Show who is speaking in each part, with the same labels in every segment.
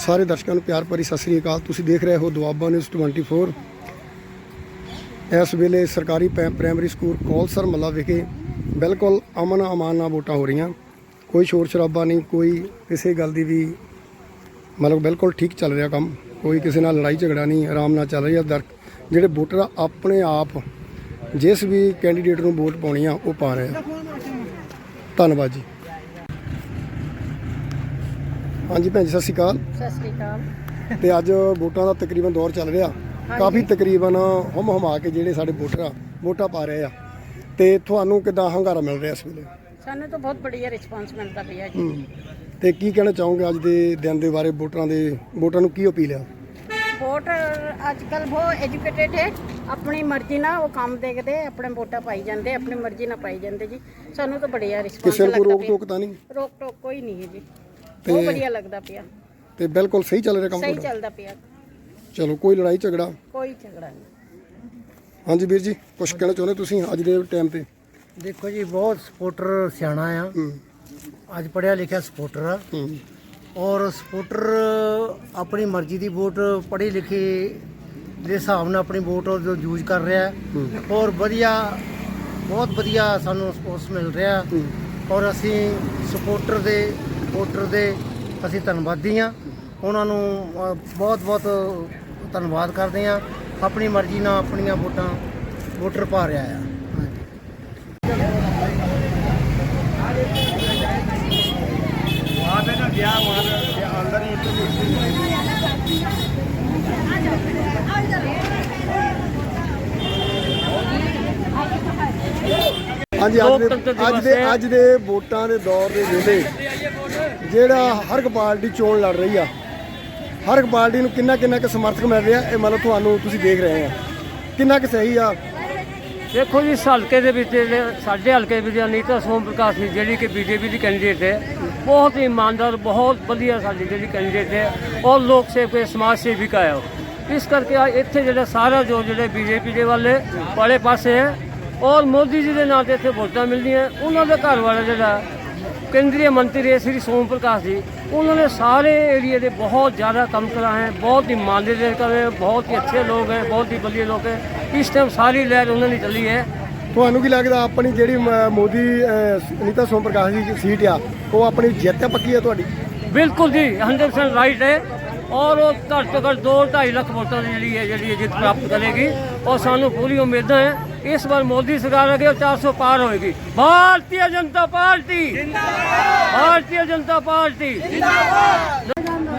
Speaker 1: सारे दर्शकों प्यार भरी सत श्री अकाल। तुसीं देख रहे हो दुआबा न्यूज़ 24। इस वेले सरकारी प्राइमरी स्कूल कौलसर मल्ला विखे बिल्कुल अमन अमान नाल वोटां हो रही। कोई शोर शराबा नहीं, कोई किसी गल की भी मतलब बिल्कुल ठीक चल रहा काम। कोई किसी नाल लड़ाई झगड़ा नहीं, आराम नाल चल रही है। जिहड़े वोटर अपने आप जिस भी कैंडीडेट नूं वोट पाउणी आ वो पा रहे हैं। धन्नवाद जी। हाँ जी भैन जी, सत श्री अकाल।
Speaker 2: सत श्री अकाल।
Speaker 1: तो अज वोटां दा तकरीबन दौर चल रहा, काफ़ी तकरीबन हुम हुमा के जिहड़े साडे वोटर आ वोटां पा रहे आ। ते तुहानूं किद्दां हंगारा मिल रहा इस वेले?
Speaker 2: सानूं तो बहुत बढ़िया रिस्पांस मिलता पिया जी।
Speaker 1: ते की कहना चाहोगे अज दे दिन दे बारे? वोटां नूं की अपील है?
Speaker 2: वोट अजकल बहुत एजुकेटेड है, अपनी मर्जी ना वो काम देखते, अपने वोटा पाई जाते, अपनी मर्जी ना पाई जाते जी। सानूं तो बढ़िया रिस्पांस
Speaker 1: किसी
Speaker 2: लगता
Speaker 1: को रोक
Speaker 2: पिया।
Speaker 1: टोक तां नहीं?
Speaker 2: रोक टोक कोई नहीं है जी, बहुत बढ़िया लगता पिया।
Speaker 1: ते बिल्कुल सही चल रहा काम?
Speaker 2: सही चलता पिया,
Speaker 1: चलो, कोई लड़ाई झगड़ा?
Speaker 2: कोई झगड़ा नहीं।
Speaker 1: हाँ जी वीर जी, कुछ कहना चाਹੁंदे तुसीं अज दे टाइम ते?
Speaker 3: देखो जी, बहुत सपोर्टर सियाणा आ, अज पढ़िया लिखिया सपोर्टर आ, और सपोर्टर अपनी मर्जी की वोट पढ़ी लिखी के हिसाब नाल अपनी वोट जो यूज कर रहा है, और वधिया बहुत वधिया सानू सपोर्ट मिल रहा। और असी सपोर्टर दे वोटर दे असी धन्नवादी हाँ, उन्होंने बहुत बहुत धन्नवाद करते हैं। अपनी मर्जी नाल अपनी वोटां वोटर पा रहा है।
Speaker 1: हाँ जी, अज दे वोटां दे दौर दे वेले जिहड़ा हर एक पार्टी चोण लड़ रही है, हर एक पार्टी नूं किन्ना किन्ना क समर्थक मिल रहा है, मतलब तुहानूं तुसीं देख रहे हैं किन्ना क सही आ?
Speaker 4: देखो जी, हल्के दे विच साडे हल्के विच अनीता सोम प्रकाश जी जिहड़ी कि बीजेपी की कैंडीडेट है, बहुत ही ईमानदार, बहुत वधिया साडी जिहड़ी कैंडीडेट है, और लोक सेवक समाज सेविका है। इस करके इत्थे जिहड़ा सारा जो जिहड़े बीजेपी दे वाले वाले पासे है, और मोदी जी के नाम से इत्थे वोटां मिलदियां। उन्होंने घर वाला जिहड़ा केंद्रीय मंत्री है श्री सोम प्रकाश जी, उन्होंने सारे एरिए के बहुत ज़्यादा काम करा है, बहुत ईमानदारी कर रहे हैं, बहुत ही अच्छे लोग हैं, बहुत ही बढ़िया लोग हैं। इस टाइम सारी लहर उन्होंने चली है।
Speaker 1: ਤੁਹਾਨੂੰ ਕੀ ਲੱਗਦਾ अपनी ਜਿਹੜੀ मोदी अनीता सोम प्रकाश जी की सीट आ वो अपनी जित पक्की है ਤੁਹਾਡੀ?
Speaker 4: बिल्कुल जी, 100% राइट है, और वो घट तो घट 2-2.5 लाख वोटों की जी जित प्राप्त करेगी, और सानू पूरी उम्मीद है इस बार मोदी सरकार आगे 400 पार होगी। भारतीय जनता पार्टी जिंदाबाद, भारतीय जनता पार्टी जिंदाबाद।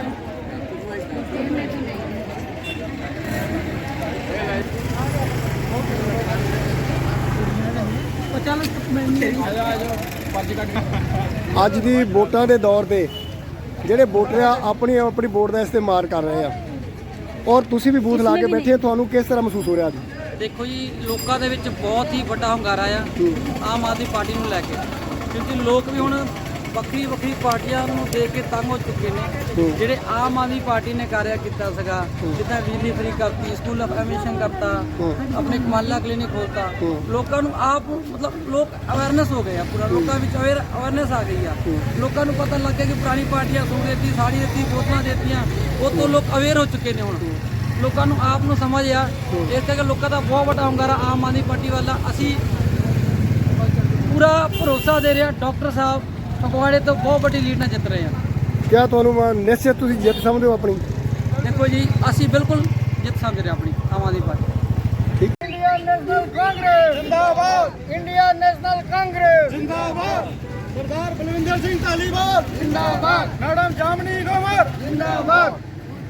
Speaker 1: ਅੱਜ ਦੀ ਵੋਟਾਂ ਦੇ ਦੌਰ ਤੇ ਜਿਹੜੇ ਵੋਟਰ ਆ ਆਪਣੀ ਆਪਣੀ ਵੋਟ ਦਾ ਇਸਤੇਮਾਲ ਕਰ ਰਹੇ ਆ, ਔਰ ਤੁਸੀਂ ਵੀ ਬੂਥ ਲਾ ਕੇ ਬੈਠੇ ਆ, ਤੁਹਾਨੂੰ ਕਿਸ ਤਰ੍ਹਾਂ ਮਹਿਸੂਸ ਹੋ ਰਿਹਾ ਅੱਜ?
Speaker 5: देखो जी, लोगों के विच बहुत ही बड़ा हंगारा आ आम आदमी पार्टी नूं लैके, क्योंकि लोग भी हुण ਵੱਖਰੀ ਵੱਖਰੀ ਪਾਰਟੀਆਂ ਨੂੰ ਦੇਖ ਕੇ ਤੰਗ ਹੋ ਚੁੱਕੇ ਨੇ। ਜਿਹੜੇ ਆਮ ਆਦਮੀ ਪਾਰਟੀ ਨੇ ਕਾਰਿਆ ਕੀਤਾ ਸੀਗਾ, ਜਿੱਦਾਂ ਬਿਜਲੀ ਫਰੀ ਕਰਤੀ, ਸਕੂਲ ਆਫ ਐਮਿਸ਼ਨ ਕਰਤਾ, ਆਪਣੇ ਕਮਾਲਾ ਕਲੀਨਿਕ ਖੋਲਤਾ, ਲੋਕਾਂ ਨੂੰ ਆਪ ਮਤਲਬ ਲੋਕ ਅਵੇਅਰਨੈਸ ਹੋ ਗਏ ਆ, ਪੂਰਾ ਲੋਕਾਂ ਵਿੱਚ ਅਵੇਅਰਨੈਸ ਆ ਗਈ ਆ। ਲੋਕਾਂ ਨੂੰ ਪਤਾ ਲੱਗ ਗਿਆ ਕਿ ਪੁਰਾਣੀ ਪਾਰਟੀਆਂ ਸੂਟ ਦਿੱਤੀ, ਸਾੜੀ ਦਿੱਤੀ, ਬੋਤਲਾਂ ਦਿੱਤੀਆਂ, ਉਹ ਤੋਂ ਲੋਕ ਅਵੇਅਰ ਹੋ ਚੁੱਕੇ ਨੇ। ਹੁਣ ਲੋਕਾਂ ਨੂੰ ਆਪ ਨੂੰ ਸਮਝ ਆ, ਇਸ ਕਰਕੇ ਲੋਕਾਂ ਦਾ ਬਹੁਤ ਵੱਡਾ ਹੰਗਾਰਾ ਆਮ ਆਦਮੀ ਪਾਰਟੀ ਵੱਲ। ਅਸੀਂ ਪੂਰਾ ਭਰੋਸਾ ਦੇ ਰਹੇ ਡਾਕਟਰ ਸਾਹਿਬ ਫਗਵਾੜੇ ਤੋਂ ਬਹੁਤ ਵੱਡੀ ਲੀਡ ਨਾਲ ਜਿੱਤ ਰਹੇ ਹਾਂ।
Speaker 1: ਕਿਆ ਤੁਹਾਨੂੰ ਨਿਸ਼ਚਿਤ ਤੁਸੀਂ ਜਿੱਤ ਸਮਝਦੇ ਹੋ ਆਪਣੀ?
Speaker 5: ਦੇਖੋ ਜੀ, ਅਸੀਂ ਬਿਲਕੁਲ ਜਿੱਤ ਸਮਝ ਰਹੇ ਆਪਣੀ ਆਮ ਆਦਮੀ ਪਾਰਟੀ।
Speaker 3: इंडिया नेशनल कांग्रेस जिंदाबाद, इंडिया नेशनल कांग्रेस जिंदाबाद, सरदार बलविंदर सिंह धालीवाल जिंदाबाद, मैडम जामनी ग्रोवर जिंदाबाद।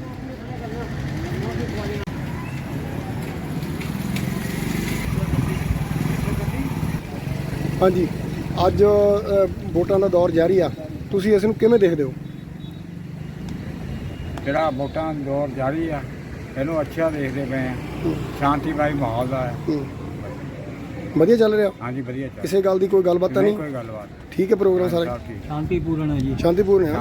Speaker 1: हाँ जी, ਅੱਜ ਵੋਟਾਂ ਦਾ ਦੌਰ ਜਾਰੀ ਆ, ਤੁਸੀਂ ਇਸ ਨੂੰ ਕਿਵੇਂ ਦੇਖਦੇ ਹੋ?
Speaker 6: ਜਿਹੜਾ ਵੋਟਾਂ ਦਾ ਦੌਰ ਜਾਰੀ ਆ ਇਹਨੂੰ ਅੱਛਾ ਦੇਖਦੇ ਪਏ ਆ, ਸ਼ਾਂਤੀਮਈ ਮਾਹੌਲ ਦਾ ਹੈ।
Speaker 1: ਵਧੀਆ ਚੱਲ ਰਿਹਾ?
Speaker 6: ਹਾਂਜੀ, ਵਧੀਆ ਚੱਲ।
Speaker 1: ਕਿਸੇ ਗੱਲ ਦੀ ਕੋਈ ਗੱਲਬਾਤ ਤਾਂ ਨਹੀਂ?
Speaker 6: ਕੋਈ ਗੱਲਬਾਤ
Speaker 1: ਠੀਕ ਹੈ, ਪ੍ਰੋਗਰਾਮ ਸਾਰਾ
Speaker 4: शांतिपूर्ण है जी,
Speaker 1: ਸ਼ਾਂਤੀਪੂਰਨ ਹੈ।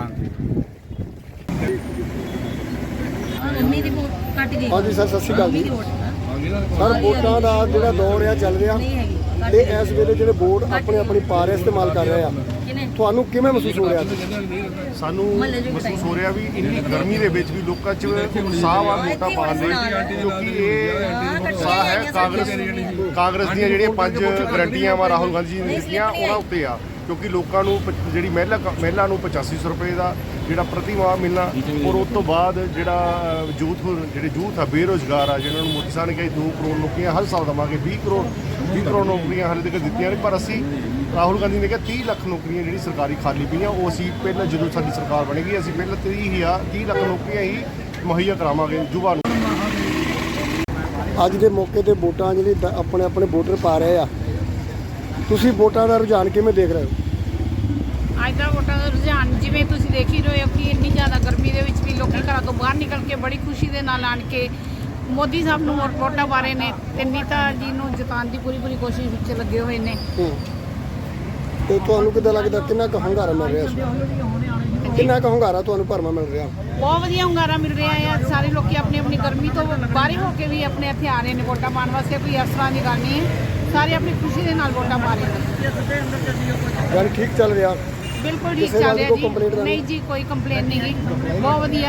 Speaker 1: हाँ जी सर, सत श्री अकाल जी। सर, वोटां ਦਾ ਜਿਹੜਾ ਦੌਰ ਆ ਚੱਲ ਰਿਹਾ, ਤੇ ਇਸ ਵੇਲੇ ਜਿਹੜੇ ਵੋਟ ਆਪਣੇ ਆਪਣੀ ਪਾ ਰਹੇ ਇਸਤੇਮਾਲ ਕਰ ਰਹੇ ਆ, ਤੁਹਾਨੂੰ ਕਿਵੇਂ ਮਹਿਸੂਸ ਹੋ ਰਿਹਾ?
Speaker 7: ਸਾਨੂੰ ਮਹਿਸੂਸ ਹੋ ਰਿਹਾ ਵੀ ਇੰਨੀ ਗਰਮੀ ਦੇ ਵਿੱਚ ਵੀ ਲੋਕਾਂ 'ਚ ਉਤਸ਼ਾਹ ਆ ਵੋਟਾਂ ਪਾਉਣ ਦੇ, ਕਿਉਂਕਿ ਇਹ ਉਤਸ਼ਾਹ ਹੈ ਕਾਂਗਰਸ ਦੀਆਂ ਜਿਹੜੀਆਂ 5 ਗਰੰਟੀਆਂ ਵਾ ਰਾਹੁਲ ਗਾਂਧੀ ਜੀ ਨੇ ਦਿੱਤੀਆਂ ਉਹਨਾਂ ਉੱਤੇ ਆ, ਕਿਉਂਕਿ ਲੋਕਾਂ ਨੂੰ ਜਿਹੜੀ ਮਹਿਲਾ ਨੂੰ 8500 ਰੁਪਏ ਦਾ ਜਿਹੜਾ ਪ੍ਰਤੀ ਮਾਹ ਮਿਲਣਾ, ਔਰ ਉਸ ਤੋਂ ਬਾਅਦ ਜਿਹੜਾ ਯੂਥ ਆ ਬੇਰੁਜ਼ਗਾਰ ਆ, ਜਿਹਨਾਂ ਨੂੰ ਮੋਦੀ ਸਾਹਿਬ ਨੇ ਕਿਹਾ 2 ਕਰੋੜ ਨੌਕਰੀਆਂ ਹਰ ਸਾਲ ਦੇਵਾਂਗੇ, 20 ਕਰੋੜ ਨੌਕਰੀਆਂ ਹਾਲੇ ਤੱਕ ਦਿੱਤੀਆਂ ਨੇ, ਪਰ ਅਸੀਂ ਰਾਹੁਲ ਗਾਂਧੀ ਨੇ ਕਿਹਾ 30 ਲੱਖ ਨੌਕਰੀਆਂ ਜਿਹੜੀ ਸਰਕਾਰੀ ਖਾਲੀ ਪਈਆਂ ਉਹ ਅਸੀਂ ਪਹਿਲਾਂ ਜਦੋਂ ਸਾਡੀ ਸਰਕਾਰ ਬਣੇਗੀ ਅਸੀਂ ਪਹਿਲਾਂ 30 ਲੱਖ ਨੌਕਰੀਆਂ ਹੀ ਮੁਹੱਈਆ ਕਰਾਵਾਂਗੇ ਯੁਵਾ ਨੂੰ।
Speaker 1: ਅੱਜ ਦੇ ਮੌਕੇ ਤੇ ਵੋਟਾਂ ਜਿਹੜੇ ਆਪਣੇ ਆਪਣੇ ਵੋਟਰ ਪਾ ਰਹੇ ਆ, ਤੁਸੀਂ ਵੋਟਾਂ ਦਾ ਰੁਝਾਨ ਕਿਵੇਂ ਦੇਖ ਰਹੇ ਹੋ?
Speaker 8: ਅੱਜ ਦਾ ਵੋਟਾਂ ਦਾ ਰੁਝਾਨ ਜਿਵੇਂ ਤੁਸੀਂ ਦੇਖ ਹੀ ਰਹੇ ਹੋ ਕਿ ਇੰਨੀ ਜ਼ਿਆਦਾ ਗਰਮੀ ਦੇ ਵਿੱਚ ਵੀ ਲੋਕੀ ਘਰਾਂ ਤੋਂ ਬਾਹਰ ਨਿਕਲ ਕੇ ਬੜੀ ਖੁਸ਼ੀ ਦੇ ਨਾਲ ਆਣ ਕੇ ਮੋਦੀ ਸਾਹਿਬ ਨੂੰ ਵੋਟਾਂ ਪਾ ਰਹੇ ਨੇ ਤੇ ਨੀਤਾ ਜੀ ਨੂੰ ਜਿਤਾਉਣ ਦੀ ਪੂਰੀ ਕੋਸ਼ਿਸ਼ ਵਿੱਚ ਲੱਗੇ ਹੋਏ ਨੇ।
Speaker 1: ਤੇ ਤੁਹਾਨੂੰ ਕਿੱਦਾਂ ਲੱਗਦਾ ਕਿੰਨਾ ਕੁ ਹੰਗਾਰਾ ਮਿਲ ਰਿਹਾ ਇਸ ਕਿੰਨਾ ਕੁ ਹੰਗਾਰਾ ਤੁਹਾਨੂੰ ਭਰਮਾ ਮਿਲ ਰਿਹਾ?
Speaker 8: ਬਹੁਤ ਵਧੀਆ ਹੁੰਗਾਰਾ ਮਿਲ ਰਿਹਾ ਹੈ। ਸਾਰੇ ਲੋਕੀ ਆਪਣੀ ਗਰਮੀ ਤੋਂ ਬਾਹਰ ਹੋ ਕੇ ਵੀ ਆਪਣੇ ਇੱਥੇ ਆ ਰਹੇ ਨੇ ਵੋਟਾਂ ਪਾਉਣ ਵਾਸਤੇ। ਕੋਈ ਇਸ ਤਰ੍ਹਾਂ ਦੀ ਗੱਲ ਨਹੀਂ ਹੈ, ਸਾਰੇ ਆਪਣੀ ਖੁਸ਼ੀ ਦੇ ਨਾਲ ਵੋਟਾਂ ਪਾ ਰਹੇ ਨੇ।
Speaker 1: ਗੱਲ ਠੀਕ ਚੱਲ ਰਿਹਾ?
Speaker 8: ਬਿਲਕੁਲ ਠੀਕ ਚੱਲ ਰਿਹਾ ਜੀ। ਨਹੀਂ ਜੀ ਕੋਈ ਕੰਪਲੇਨ ਨਹੀਂ ਗੀ, ਬਹੁਤ ਵਧੀਆ।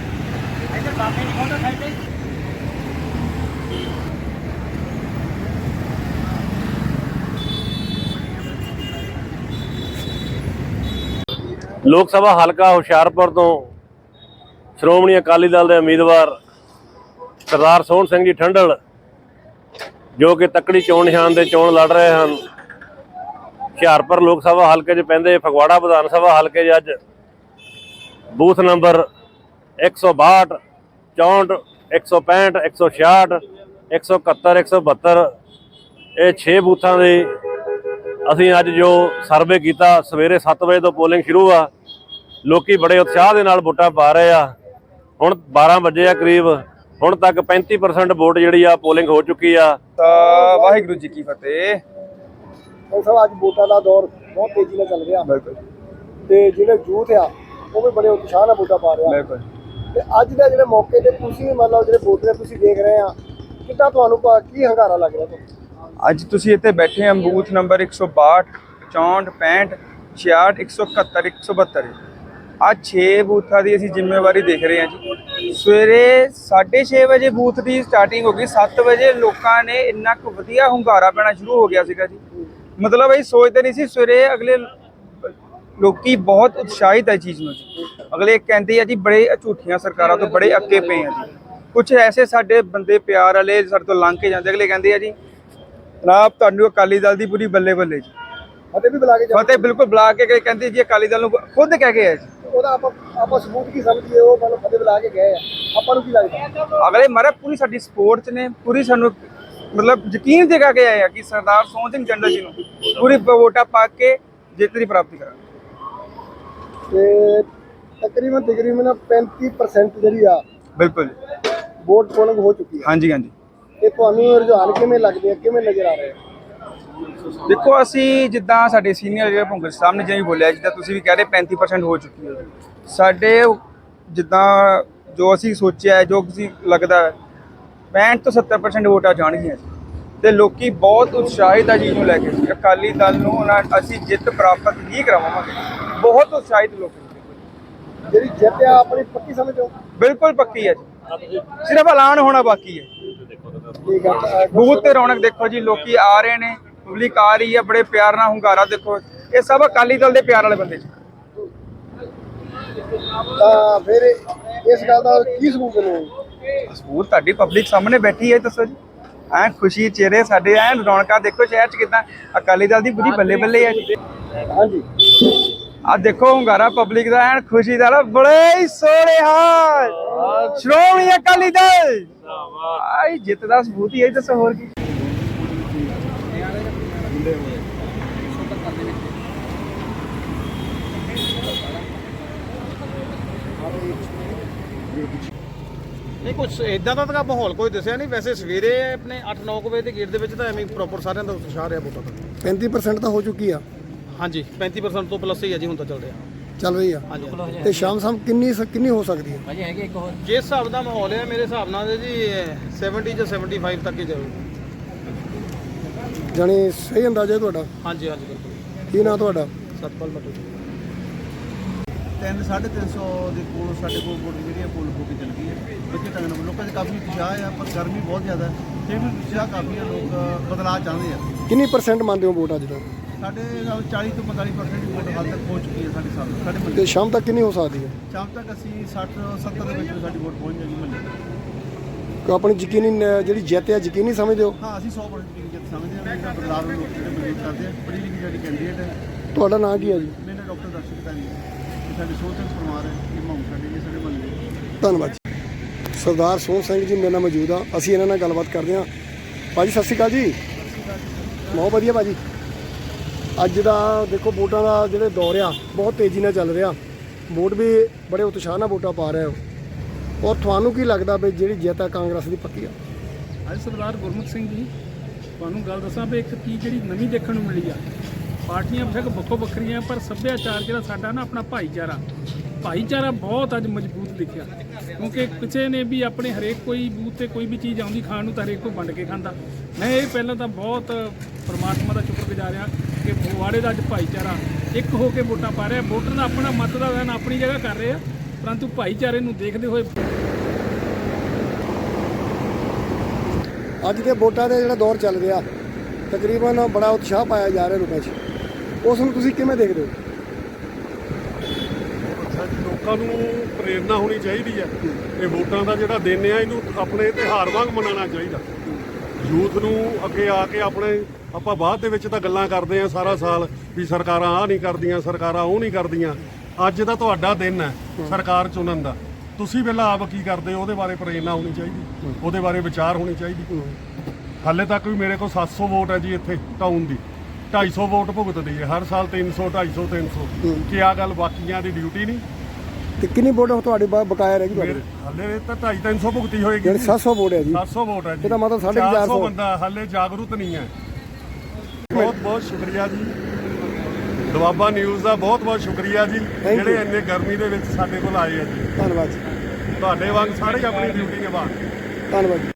Speaker 9: ਲੋਕ ਸਭਾ ਹਲਕਾ ਹੁਸ਼ਿਆਰਪੁਰ ਤੋਂ ਸ਼੍ਰੋਮਣੀ ਅਕਾਲੀ ਦਲ ਦੇ ਉਮੀਦਵਾਰ ਸਰਦਾਰ ਸੋਹਣ ਸਿੰਘ ਜੀ ਠੰਡਲ, ਜੋ ਕਿ ਤੱਕੜੀ ਚੋਣ ਨਿਸ਼ਾਨ ਦੇ ਚੋਣ ਲੜ ਰਹੇ ਹਨ। ਹੁਸ਼ਿਆਰਪੁਰ ਲੋਕ ਸਭਾ ਹਲਕੇ 'ਚ ਪੈਂਦੇ ਫਗਵਾੜਾ ਵਿਧਾਨ ਸਭਾ ਹਲਕੇ 'ਚ ਅੱਜ ਬੂਥ ਨੰਬਰ 162, 64, 165, 166, 171, 172 ਇਹ 6 ਬੂਥਾਂ ਦੇ ਅਸੀਂ ਅੱਜ ਜੋ ਸਰਵੇ ਕੀਤਾ। ਸਵੇਰੇ 7 ਵਜੇ ਤੋਂ ਪੋਲਿੰਗ ਸ਼ੁਰੂ ਆ, ਲੋਕੀ ਬੜੇ ਉਤਸ਼ਾਹ ਦੇ ਨਾਲ ਵੋਟਾਂ ਪਾ ਰਹੇ ਆ। ਹੁਣ 12 ਵਜੇ ਆ ਕਰੀਬ, ਹੁਣ ਤੱਕ 35% ਵੋਟ ਜਿਹੜੀ ਆ ਪੋਲਿੰਗ ਹੋ ਚੁੱਕੀ ਆ।
Speaker 10: ਤਾਂ ਵਾਹਿਗੁਰੂ ਜੀ ਕੀ ਫਤਿਹ।
Speaker 1: ਸਭ ਅੱਜ ਵੋਟਾਂ ਦਾ ਦੌਰ ਬਹੁਤ ਤੇਜ਼ੀ ਨਾਲ ਚੱਲ ਰਿਹਾ,
Speaker 10: ਬਿਲਕੁਲ,
Speaker 1: ਤੇ ਜਿਹੜੇ ਯੂਥ ਆ ਉਹ ਵੀ ਬੜੇ ਉਤਸ਼ਾਹ ਨਾਲ ਵੋਟਾਂ ਪਾ ਰਿਹਾ।
Speaker 10: ਬਿਲਕੁਲ।
Speaker 1: ਤੇ ਅੱਜ ਦੇ ਜਿਹੜੇ ਮੌਕੇ ਤੇ ਤੁਸੀਂ ਮਤਲਬ ਜਿਹੜੇ ਵੋਟਰ ਤੁਸੀਂ ਦੇਖ ਰਹੇ ਆ, ਕਿੱਦਾਂ ਤੁਹਾਨੂੰ ਕੀ ਹੰਗਾਰਾ ਲੱਗ ਰਿਹਾ ਤੁਹਾਨੂੰ?
Speaker 10: ਅੱਜ ਤੁਸੀਂ ਇੱਥੇ ਬੈਠੇ ਆ ਬੂਥ ਨੰਬਰ 162, 64, 65, 66, 171, 172 ਆ 6 ਬੂਥਾਂ ਦੀ ਅਸੀਂ ਜ਼ਿੰਮੇਵਾਰੀ ਦੇਖ ਰਹੇ ਹਾਂ ਜੀ। ਸਵੇਰੇ 6:30 ਵਜੇ ਬੂਥ ਦੀ ਸਟਾਰਟਿੰਗ ਹੋ ਗਈ। 7 ਵਜੇ ਲੋਕਾਂ ਨੇ ਇੰਨਾ ਕੁ ਵਧੀਆ ਹੁੰਗਾਰਾ ਪੈਣਾ ਸ਼ੁਰੂ ਹੋ ਗਿਆ ਸੀਗਾ ਜੀ। ਮਤਲਬ ਅਸੀਂ ਸੋਚਦੇ ਨਹੀਂ ਸੀ। ਸਵੇਰੇ ਅਗਲੇ ਲੋਕੀ ਬਹੁਤ ਉਤਸ਼ਾਹਿਤ ਹੈ ਚੀਜ਼ ਨੂੰ ਜੀ। ਅਗਲੇ ਕਹਿੰਦੇ ਆ ਜੀ ਬੜੇ ਝੂਠੀਆਂ ਸਰਕਾਰਾਂ ਤੋਂ ਬੜੇ ਅੱਕੇ ਪਏ ਆ ਜੀ। ਕੁਝ ਐਸੇ ਸਾਡੇ ਬੰਦੇ ਪਿਆਰ ਵਾਲੇ ਸਾਡੇ ਤੋਂ ਲੰਘ ਕੇ ਜਾਂਦੇ, ਅਗਲੇ ਕਹਿੰਦੇ ਆ ਜੀ ਜਨਾਬ ਤੁਹਾਨੂੰ ਅਕਾਲੀ ਦਲ ਦੀ ਪੂਰੀ ਬੱਲੇ ਬੱਲੇ ਜੀ।
Speaker 1: ਫਤਿਹ ਵੀ ਬੁਲਾ ਕੇ
Speaker 10: ਫਤਿਹ ਬਿਲਕੁਲ ਬੁਲਾ ਕੇ ਕਹਿੰਦੇ ਜੀ ਅਕਾਲੀ ਦਲ ਨੂੰ ਖੁਦ ਕਹਿ ਕੇ ਆ ਜੀ।
Speaker 1: ਉਹਦਾ ਆਪਾਂ ਸਬੂਤ ਕੀ ਸਮਝੀਏ? ਉਹ ਮਤਲਬ ਫਤਿਹ ਬੁਲਾ ਕੇ ਗਏ ਆ, ਆਪਾਂ ਨੂੰ ਕੀ ਲੱਗਦਾ?
Speaker 10: ਅਗਲੇ ਮਾਰੇ ਪੂਰੀ ਸਾਡੀ ਸਪੋਰਟ 'ਚ ਨੇ, ਪੂਰੀ ਸਾਨੂੰ ਮਤਲਬ ਯਕੀਨ ਦਿਖਾ ਕੇ ਆਏ ਆ ਕਿ ਸਰਦਾਰ ਸੋਹਣ ਸਿੰਘ ਠੰਡਲ ਜੀ ਨੂੰ ਪੂਰੀ ਵੋਟਾਂ ਪਾ ਕੇ ਜਿੱਤ ਦੀ ਪ੍ਰਾਪਤੀ ਕਰਾਂਗੇ।
Speaker 1: ਤੇ ਤਕਰੀਬਨ 35% ਜਿਹੜੀ ਆ
Speaker 10: ਬਿਲਕੁਲ
Speaker 1: ਵੋਟ ਪੋਲਿੰਗ ਹੋ ਚੁੱਕੀ ਹੈ।
Speaker 10: ਹਾਂਜੀ ਹਾਂਜੀ।
Speaker 1: ਤੇ ਤੁਹਾਨੂੰ ਰੁਝਾਨ ਕਿਵੇਂ ਲੱਗਦੇ ਆ, ਕਿਵੇਂ ਨਜ਼ਰ ਆ ਰਹੇ ਆ?
Speaker 10: ਦੇਖੋ ਅਸੀਂ ਜਿੱਦਾਂ ਸਾਡੇ ਸੀਨੀਅਰ ਜਿਹੜੇ ਭੁੰਗਰ ਸਾਹਿਬ ਨੇ ਜਿਵੇਂ ਬੋਲਿਆ, ਜਿੱਦਾਂ ਤੁਸੀਂ ਵੀ ਕਹਿ ਰਹੇ 35% ਹੋ ਚੁੱਕੀ ਹੈ ਸਾਡੇ, ਜਿੱਦਾਂ ਜੋ ਅਸੀਂ ਸੋਚਿਆ, ਜੋ ਤੁਸੀਂ ਲੱਗਦਾ 65 ਤੋਂ 70% ਵੋਟਾਂ ਜਾਣਗੀਆਂ ਤੇ ਲੋਕੀ ਬਹੁਤ ਉਤਸ਼ਾਹਿਤ ਆ ਚੀਜ਼ ਨੂੰ ਲੈ ਕੇ। ਅਕਾਲੀ ਦਲ ਨੂੰ ਅਸੀਂ ਜਿੱਤ ਪ੍ਰਾਪਤ ਹੀ ਕਰਵਾਵਾਂਗੇ। ਬਹੁਤ ਉਤਸ਼ਾਹਿਤ ਲੋਕ।
Speaker 1: ਜਿਹੜੀ ਜਿੱਤ ਆ ਆਪਣੀ ਪੱਕੀ ਸਮਝੋ?
Speaker 10: ਬਿਲਕੁਲ ਪੱਕੀ ਹੈ ਜੀ, ਸਿਰਫ ਐਲਾਨ ਹੋਣਾ ਬਾਕੀ ਹੈ।
Speaker 1: ਠੀਕ ਆ।
Speaker 10: ਬੂਥ ਤੇ ਰੌਣਕ ਦੇਖੋ ਜੀ, ਲੋਕੀ ਆ ਰਹੇ ਨੇ, ਪਬਲਿਕ ਆ ਰਹੀ ਹੈ, ਬੜੇ ਪਿਆਰ ਨਾਲ ਹੁੰਗਾਰਾ ਦੇਖੋ। ਇਹ ਸਭ ਅਕਾਲੀ ਦਲ ਦੇ ਪਿਆਰ ਵਾਲੇ ਬੰਦੇ ਜੀ।
Speaker 1: ਤਾਂ ਫਿਰ ਇਸ ਗੱਲ ਦਾ ਕੀ ਸਬੂਤ ਨੇ?
Speaker 10: ਸਬੂਤ ਤੁਹਾਡੀ ਪਬਲਿਕ ਸਾਹਮਣੇ ਬੈਠੀ ਹੈ, ਦੱਸੋ ਜੀ। ਐ ਖੁਸ਼ੀ ਚਿਹਰੇ ਸਾਡੇ, ਐ ਰੌਣਕਾਂ ਦੇਖੋ ਸ਼ਹਿਰ 'ਚ ਕਿੱਦਾਂ ਅਕਾਲੀ ਦਲ ਦੀ ਪੂਰੀ ਬੱਲੇ ਬੱਲੇ ਹੈ ਜੀ।
Speaker 1: ਹਾਂਜੀ
Speaker 10: ਆ ਦੇਖੋ ਹੁੰਗਾਰਾ ਪਬਲਿਕ ਦਾ, ਐਨ ਖੁਸ਼ੀ ਦਾ, ਬੜੇ ਹੀ ਸੋਹਣੇ ਹਾਲ। ਸ਼੍ਰੋਮਣੀ ਅਕਾਲੀ ਦਲ ਆਈ ਜਿੱਤ ਦਾ ਸਬੂਤ ਹੀ ਹੈ, ਦੱਸੋ ਹੋਰ ਕੀ।
Speaker 11: ਨਹੀਂ ਕੁਝ ਇਦਾਂ ਦਾ ਤਾਂ ਮਾਹੌਲ ਕੋਈ ਦੱਸਿਆ ਨਹੀਂ। ਵੈਸੇ ਸਵੇਰੇ ਆਪਣੇ 8-9 ਵਜੇ ਦੇ ਗੇਟ ਦੇ ਵਿੱਚ ਤਾਂ ਐਵੇਂ ਪ੍ਰੋਪਰ ਸਾਰਿਆਂ ਦਾ ਉਤਸ਼ਾਹ ਰਿਹਾ ਵੋਟਾਂ ਦਾ।
Speaker 1: 35% ਤਾਂ ਹੋ ਚੁੱਕੀ ਆ।
Speaker 11: ਹਾਂਜੀ 35% ਤੋਂ ਪਲੱਸ ਹੀ ਹੈ ਜੀ ਹੁਣ ਤਾਂ ਚੱਲ ਰਿਹਾ।
Speaker 1: ਚੱਲ ਰਹੀ ਆ।
Speaker 11: ਹਾਂਜੀ
Speaker 1: ਤੇ ਸ਼ਾਮ ਕਿੰਨੀ ਹੋ ਸਕਦੀ ਹੈ?
Speaker 5: ਭਾਜੀ ਹੈਗੇ ਇੱਕ ਹੋਰ
Speaker 11: ਜਿਸ ਹਿਸਾਬ ਦਾ ਮਾਹੌਲ ਹੈ ਮੇਰੇ ਹਿਸਾਬ ਨਾਲ ਜੀ 70 ਜਾਂ 75 ਤੱਕ ਹੀ ਜਾਊਗਾ।
Speaker 1: ਜਾਣੀ ਸਹੀ ਅੰਦਾਜ਼ਾ ਤੁਹਾਡਾ?
Speaker 11: ਹਾਂਜੀ ਬਿਲਕੁਲ।
Speaker 1: ਕੀ ਨਾਂ ਤੁਹਾਡਾ?
Speaker 11: ਸਤਪਾਲ ਮਟੂ। 350 ਦੇ ਕੋਲ ਸਾਡੇ ਕੋਲ ਵੋਟ ਜਿਹੜੀ ਹੈ ਪੁੱਲ ਹੋ ਕੇ ਚੱਲ ਗਈ ਹੈ। ਵਧੀਆ ਢੰਗ ਨਾਲ ਲੋਕਾਂ 'ਚ ਕਾਫੀ ਉਤਸ਼ਾਹ ਆ, ਪਰ ਗਰਮੀ ਬਹੁਤ ਜ਼ਿਆਦਾ ਹੈ, ਫਿਰ ਵੀ ਉਤਸ਼ਾਹ ਕਾਫੀ ਹੈ, ਲੋਕ ਬਦਲਾਅ ਚਾਹੁੰਦੇ ਆ।
Speaker 1: ਕਿੰਨੀ % ਮੰਨਦੇ ਹੋ ਵੋਟ ਅੱਜ ਤੱਕ?
Speaker 11: ਸਾਡੇ ਨਾਲ 40 ਤੋਂ 45% ਵੋਟ ਹਾਲ ਤੱਕ ਪਹੁੰਚ ਚੁੱਕੀ ਹੈ ਸਾਡੇ
Speaker 1: ਤੇ
Speaker 11: ਮਹੱਲੇ।
Speaker 1: ਸ਼ਾਮ ਤੱਕ ਕਿੰਨੀ ਹੋ ਸਕਦੀ ਹੈ?
Speaker 11: ਸ਼ਾਮ ਤੱਕ ਅਸੀਂ 60-70 ਦੇ ਵਿੱਚ ਸਾਡੀ ਵੋਟ ਪਹੁੰਚ ਜਾਏਗੀ ਮਹੱਲੇ।
Speaker 1: ਕਿ ਆਪਣੀ ਯਕੀਨੀ ਜਿਹੜੀ ਜਿੱਤ ਹੈ ਯਕੀਨੀ ਸਮਝਦੇ ਹੋ?
Speaker 11: ਹਾਂ, ਅਸੀਂ 100% ਜਿੱਤ ਸਮਝਦੇ ਹਾਂ। ਜਿਹੜਾ ਬਦਲਾਅ ਨੂੰ ਲੋਕ ਜਿਹੜੇ ਮਜ਼ਬੂਤ ਕਰਦੇ ਆ, ਪੜ੍ਹੀ ਲਿਖੀ ਸਾਡੀ ਕੈਂਡੀਡੇਟ ਹੈ।
Speaker 1: ਤੁਹਾਡਾ ਨਾਂ ਕੀ ਹੈ ਜੀ?
Speaker 11: ਮੇਰਾ ਡਾਕਟਰ ਦਰਸ਼ਕ ਧਾਰੀ ਹੈ, ਤੇ ਸਾਡੇ ਸੋਚ ਸਿੰਘ ਪਰਮਾਰ ਹੈ, ਇਹ ਮਾਹੌਲ ਸਾਡੇ ਮਹੱਲੇ।
Speaker 1: ਧੰਨਵਾਦ ਜੀ। ਸਰਦਾਰ ਸੋਹਣ ਸਿੰਘ ਜੀ ਮੇਰੇ ਨਾਲ ਮੌਜੂਦ ਆ, ਅਸੀਂ ਇਹਨਾਂ ਨਾਲ ਗੱਲਬਾਤ ਕਰਦੇ ਹਾਂ। ਭਾਜੀ ਸਤਿ ਸ਼੍ਰੀ ਅਕਾਲ ਜੀ। ਬਹੁਤ ਵਧੀਆ ਭਾਜੀ। ਅੱਜ ਦਾ ਦੇਖੋ ਵੋਟਾਂ ਦਾ ਜਿਹੜੇ ਦੌਰ ਆ ਬਹੁਤ ਤੇਜ਼ੀ ਨਾਲ ਚੱਲ ਰਿਹਾ, ਵੋਟ ਵੀ ਬੜੇ ਉਤਸ਼ਾਹ ਨਾਲ ਵੋਟਾਂ ਪਾ ਰਹੇ ਹੋ, ਔਰ ਤੁਹਾਨੂੰ ਕੀ ਲੱਗਦਾ ਵੀ ਜਿਹੜੀ ਜਿੱਤ ਆ ਕਾਂਗਰਸ ਦੀ ਪੱਕੀ ਆ?
Speaker 12: ਅੱਜ ਸਰਦਾਰ ਗੁਰਮੁਖ ਸਿੰਘ ਜੀ, ਤੁਹਾਨੂੰ ਗੱਲ ਦੱਸਾਂ ਵੀ ਇੱਕ ਚੀਜ਼ ਜਿਹੜੀ ਨਵੀਂ ਦੇਖਣ ਨੂੰ ਮਿਲੀ ਆ, ਪਾਰਟੀਆਂ ਬੇਸ਼ੱਕ ਵੱਖੋ ਵੱਖਰੀਆਂ ਪਰ ਸੱਭਿਆਚਾਰ ਜਿਹੜਾ ਸਾਡਾ ਨਾ ਆਪਣਾ ਭਾਈਚਾਰਾ ਬਹੁਤ ਅੱਜ ਮਜ਼ਬੂਤ ਦਿਖਿਆ। ਕਿਉਂਕਿ ਕਿਸੇ ਨੇ ਵੀ ਆਪਣੇ ਹਰੇਕ ਕੋਈ ਬੂਥ ਤੇ ਕੋਈ ਵੀ ਚੀਜ਼ ਆਉਂਦੀ ਖਾਣ ਨੂੰ ਤਾਂ ਹਰੇਕ ਕੋਈ ਵੰਡ ਕੇ ਖਾਂਦਾ। ਮੈਂ ਇਹ ਪਹਿਲਾਂ ਤਾਂ ਬਹੁਤ ਪਰਮਾਤਮਾ ਦਾ ਸ਼ੁਕਰਗੁਜ਼ਾਰ ਆ ਕਿ ਫਗਵਾੜੇ ਦਾ ਅੱਜ ਭਾਈਚਾਰਾ ਇੱਕ ਹੋ ਕੇ ਵੋਟਾਂ ਪਾ ਰਿਹਾ। ਵੋਟਰ ਦਾ ਆਪਣਾ ਮਤ ਦਾ ਵੈਨ ਆਪਣੀ ਜਗ੍ਹਾ ਕਰ ਰਹੇ ਆ, ਪਰੰਤੂ ਭਾਈਚਾਰੇ ਨੂੰ ਦੇਖਦੇ ਹੋਏ
Speaker 1: ਅੱਜ ਦੇ ਵੋਟਾਂ ਦੇ ਜਿਹੜਾ ਦੌਰ ਚੱਲ ਰਿਹਾ, ਤਕਰੀਬਨ ਬੜਾ ਉਤਸ਼ਾਹ ਪਾਇਆ ਜਾ ਰਿਹਾ ਲੋਕਾਂ 'ਚ, ਉਸ ਨੂੰ ਤੁਸੀਂ ਕਿਵੇਂ ਦੇਖਦੇ ਹੋ?
Speaker 13: ਲੋਕਾਂ ਨੂੰ ਪ੍ਰੇਰਨਾ ਹੋਣੀ ਚਾਹੀਦੀ ਹੈ। ਇਹ ਵੋਟਾਂ ਦਾ ਜਿਹੜਾ ਦਿਨ ਆ ਇਹਨੂੰ ਆਪਣੇ ਤਿਉਹਾਰ ਵਾਂਗ ਮਨਾਉਣਾ ਚਾਹੀਦਾ। ਯੂਥ ਨੂੰ ਅੱਗੇ ਆ ਕੇ ਆਪਾਂ ਬਾਅਦ ਦੇ ਵਿੱਚ ਤਾਂ ਗੱਲਾਂ ਕਰਦੇ ਆ ਸਾਰਾ ਸਾਲ ਵੀ ਸਰਕਾਰਾਂ ਆਹ ਨਹੀਂ ਕਰਦੀਆਂ, ਸਰਕਾਰਾਂ ਉਹ ਨਹੀਂ ਕਰਦੀਆਂ। ਅੱਜ ਦਾ ਤੁਹਾਡਾ ਦਿਨ ਹੈ ਸਰਕਾਰ ਚੁਣਨ ਦਾ, ਤੁਸੀਂ ਪਹਿਲਾਂ ਆਪ ਕੀ ਕਰਦੇ ਹੋ ਉਹਦੇ ਬਾਰੇ ਪ੍ਰੇਰਨਾ ਹੋਣੀ ਚਾਹੀਦੀ, ਉਹਦੇ ਬਾਰੇ ਵਿਚਾਰ ਹੋਣੀ ਚਾਹੀਦੀ। ਹਾਲੇ ਤੱਕ ਵੀ ਮੇਰੇ ਕੋਲ 700 ਵੋਟ ਹੈ ਜੀ ਇੱਥੇ ਟਾਊਨ ਦੀ, 250 ਵੋਟ ਭੁਗਤਦੀ ਹੈ ਹਰ ਸਾਲ, 300 250 300। ਕੀ ਆ ਗੱਲ ਬਾਕੀਆਂ ਦੀ ਡਿਊਟੀ ਨਹੀਂ?
Speaker 1: ਤੇ ਕਿੰਨੀ ਵੋਟ ਤੁਹਾਡੇ ਬਕਾਇਆ ਰਹਿ ਗਈ ਤੁਹਾਡੀ?
Speaker 13: ਹਾਲੇ ਤਾਂ 250-300 ਭੁਗਤੀ ਹੋਏਗੀ।
Speaker 1: ਜਿਹੜੀ 700 ਵੋਟ ਹੈ ਜੀ,
Speaker 13: 700 ਵੋਟ ਹੈ ਜੀ,
Speaker 1: ਇਹਦਾ ਮਤਲਬ 450
Speaker 13: ਬੰਦਾ ਹਾਲੇ ਜਾਗਰੂਕ ਨਹੀਂ ਹੈ। ਬਹੁਤ ਬਹੁਤ ਸ਼ੁਕਰੀਆ ਜੀ, ਦੁਆਬਾ ਨਿਊਜ਼ ਦਾ ਬਹੁਤ ਬਹੁਤ ਸ਼ੁਕਰੀਆ ਜੀ, ਜਿਹੜੇ ਇੰਨੇ ਗਰਮੀ ਦੇ ਵਿੱਚ ਸਾਡੇ ਕੋਲ ਆਏ ਆ ਜੀ।
Speaker 1: ਧੰਨਵਾਦ ਜੀ।
Speaker 13: ਤੁਹਾਡੇ ਵਾਂਗ ਸਾਰੇ ਆਪਣੀ ਡਿਊਟੀ ਨਿਭਾ।
Speaker 1: ਧੰਨਵਾਦ ਜੀ।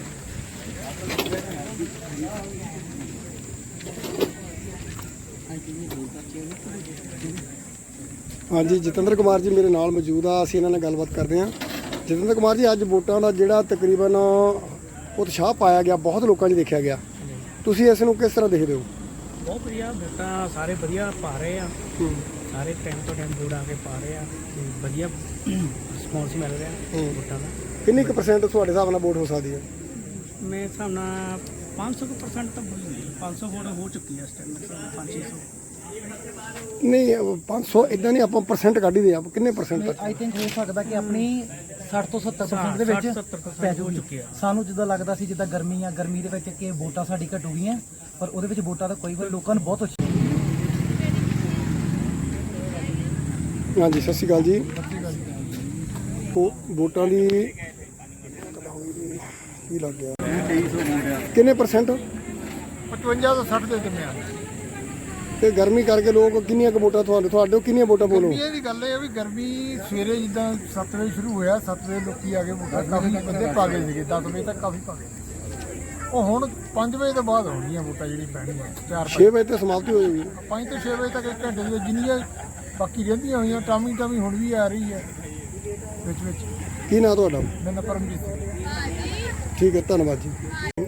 Speaker 1: ਹਾਂਜੀ, ਜਤਿੰਦਰ ਕੁਮਾਰ ਜੀ ਮੇਰੇ ਨਾਲ ਮੌਜੂਦ ਆ, ਅਸੀਂ ਇਹਨਾਂ ਨਾਲ ਗੱਲਬਾਤ ਕਰਦੇ ਹਾਂ। ਜਤਿੰਦਰ ਕੁਮਾਰ ਜੀ, ਅੱਜ ਵੋਟਾਂ ਦਾ ਜਿਹੜਾ ਤਕਰੀਬਨ ਉਤਸ਼ਾਹ ਪਾਇਆ ਗਿਆ, ਬਹੁਤ ਲੋਕਾਂ 'ਚ ਦੇਖਿਆ ਗਿਆ, ਤੁਸੀਂ ਇਸ ਨੂੰ ਕਿਸ ਤਰ੍ਹਾਂ ਦੇਖਦੇ ਹੋ?
Speaker 12: ਬਹੁਤ ਵਧੀਆ ਵੋਟਾਂ ਸਾਰੇ ਵਧੀਆ ਪਾ ਰਹੇ ਆ, ਸਾਰੇ ਟਾਈਮ ਤੋਂ ਟਾਈਮ ਵੋਟ ਆ ਕੇ ਪਾ ਰਹੇ ਆ, ਤੇ ਵਧੀਆ ਰਿਸਪੌਂਸ ਮਿਲ ਰਿਹਾ ਵੋਟਾਂ ਦਾ।
Speaker 1: ਕਿੰਨੀ ਕੁ % ਤੁਹਾਡੇ ਹਿਸਾਬ ਨਾਲ ਵੋਟ ਹੋ ਸਕਦੀ ਹੈ?
Speaker 12: ਮੇਰੇ ਹਿਸਾਬ ਨਾਲ 500% ਤਾਂ 500 ਵੋਟ ਹੋ ਚੁੱਕੀ ਹੈ ਇਸ ਟਾਈਮ, 500-600
Speaker 1: ਨਹੀਂ 500 ਇਦਾਂ ਨਹੀਂ, ਆਪਾਂ % ਕੱਢ ਹੀ ਦੇ, ਆਪਾਂ ਕਿੰਨੇ % ਤੱਕ?
Speaker 3: ਆਈ ਥਿੰਕ ਹੋ ਸਕਦਾ ਕਿ ਆਪਣੀ 60 ਤੋਂ 70% ਦੇ ਵਿੱਚ ਪੈ ਚੁੱਕੀ ਹੈ। ਸਾਨੂੰ ਜਿੱਦਾਂ ਲੱਗਦਾ ਸੀ ਜਿੱਦਾਂ ਗਰਮੀ ਆ, ਗਰਮੀ ਦੇ ਵਿੱਚ ਕਿ ਵੋਟਾਂ ਸਾਡੀ ਘਟੂ ਗਈਆਂ, ਪਰ ਉਹਦੇ ਵਿੱਚ ਵੋਟਾਂ ਦਾ ਕੋਈ ਵਾਰ ਲੋਕਾਂ ਨੂੰ ਬਹੁਤ ਅੱਛੀ।
Speaker 1: ਹਾਂਜੀ, ਸਤਿ ਸ਼੍ਰੀ ਅਕਾਲ ਜੀ। ਉਹ ਵੋਟਾਂ ਦੀ ਕੀ ਲੱਗ ਗਿਆ?
Speaker 11: 2300 ਵੋਟ ਆ।
Speaker 1: ਕਿੰਨੇ %?
Speaker 11: 55 ਤੋਂ 60 ਦੇ ਕਿੰਨੇ ਆ?
Speaker 1: ਤੇ ਗਰਮੀ ਕਰਕੇ ਲੋਕ ਕਿੰਨੀਆਂ ਕੁ ਵੋਟਾਂ ਤੁਹਾਡੇ ਕਿੰਨੀਆਂ ਵੋਟਾਂ ਬੋਲੋ?
Speaker 11: ਇਹ ਦੀ ਗੱਲ ਇਹ ਆ ਵੀ ਗਰਮੀ ਸਵੇਰੇ ਜਿੱਦਾਂ 7 ਵਜੇ ਸ਼ੁਰੂ ਹੋਇਆ, 7 ਵਜੇ ਲੋਕੀ ਆ ਕੇ ਵੋਟਾਂ ਕਾਫੀ ਬੰਦੇ ਪਾ ਗਏ ਸੀਗੇ, 10 ਵਜੇ ਤੱਕ ਕਾਫੀ ਪਾ ਗਏ। ਉਹ ਹੁਣ 5 ਵਜੇ ਤੋਂ ਬਾਅਦ ਹੋਣਗੀਆਂ ਵੋਟਾਂ ਜਿਹੜੀ ਪੈਣਗੀਆਂ,
Speaker 1: 6 ਵਜੇ ਤੇ ਸਮਾਪਤੀ ਹੋ ਜਾਏਗੀ।
Speaker 11: 5 ਤੋਂ 6 ਵਜੇ ਤੱਕ 1 ਘੰਟੇ ਦੇ ਜਿੰਨੀਆਂ ਬਾਕੀ ਰਹਿੰਦੀਆਂ ਹੋਈਆਂ ਟਾਮੀ ਹੁਣ ਵੀ ਆ ਰਹੀ ਹੈ ਵਿੱਚ।
Speaker 1: ਕੀ ਨਾਂ ਤੁਹਾਡਾ?
Speaker 11: ਮੇਰਾ ਨਾਮ ਪਰਮਜੀਤ ਸਿੰਘ।
Speaker 1: ਠੀਕ ਹੈ, ਧੰਨਵਾਦ ਜੀ।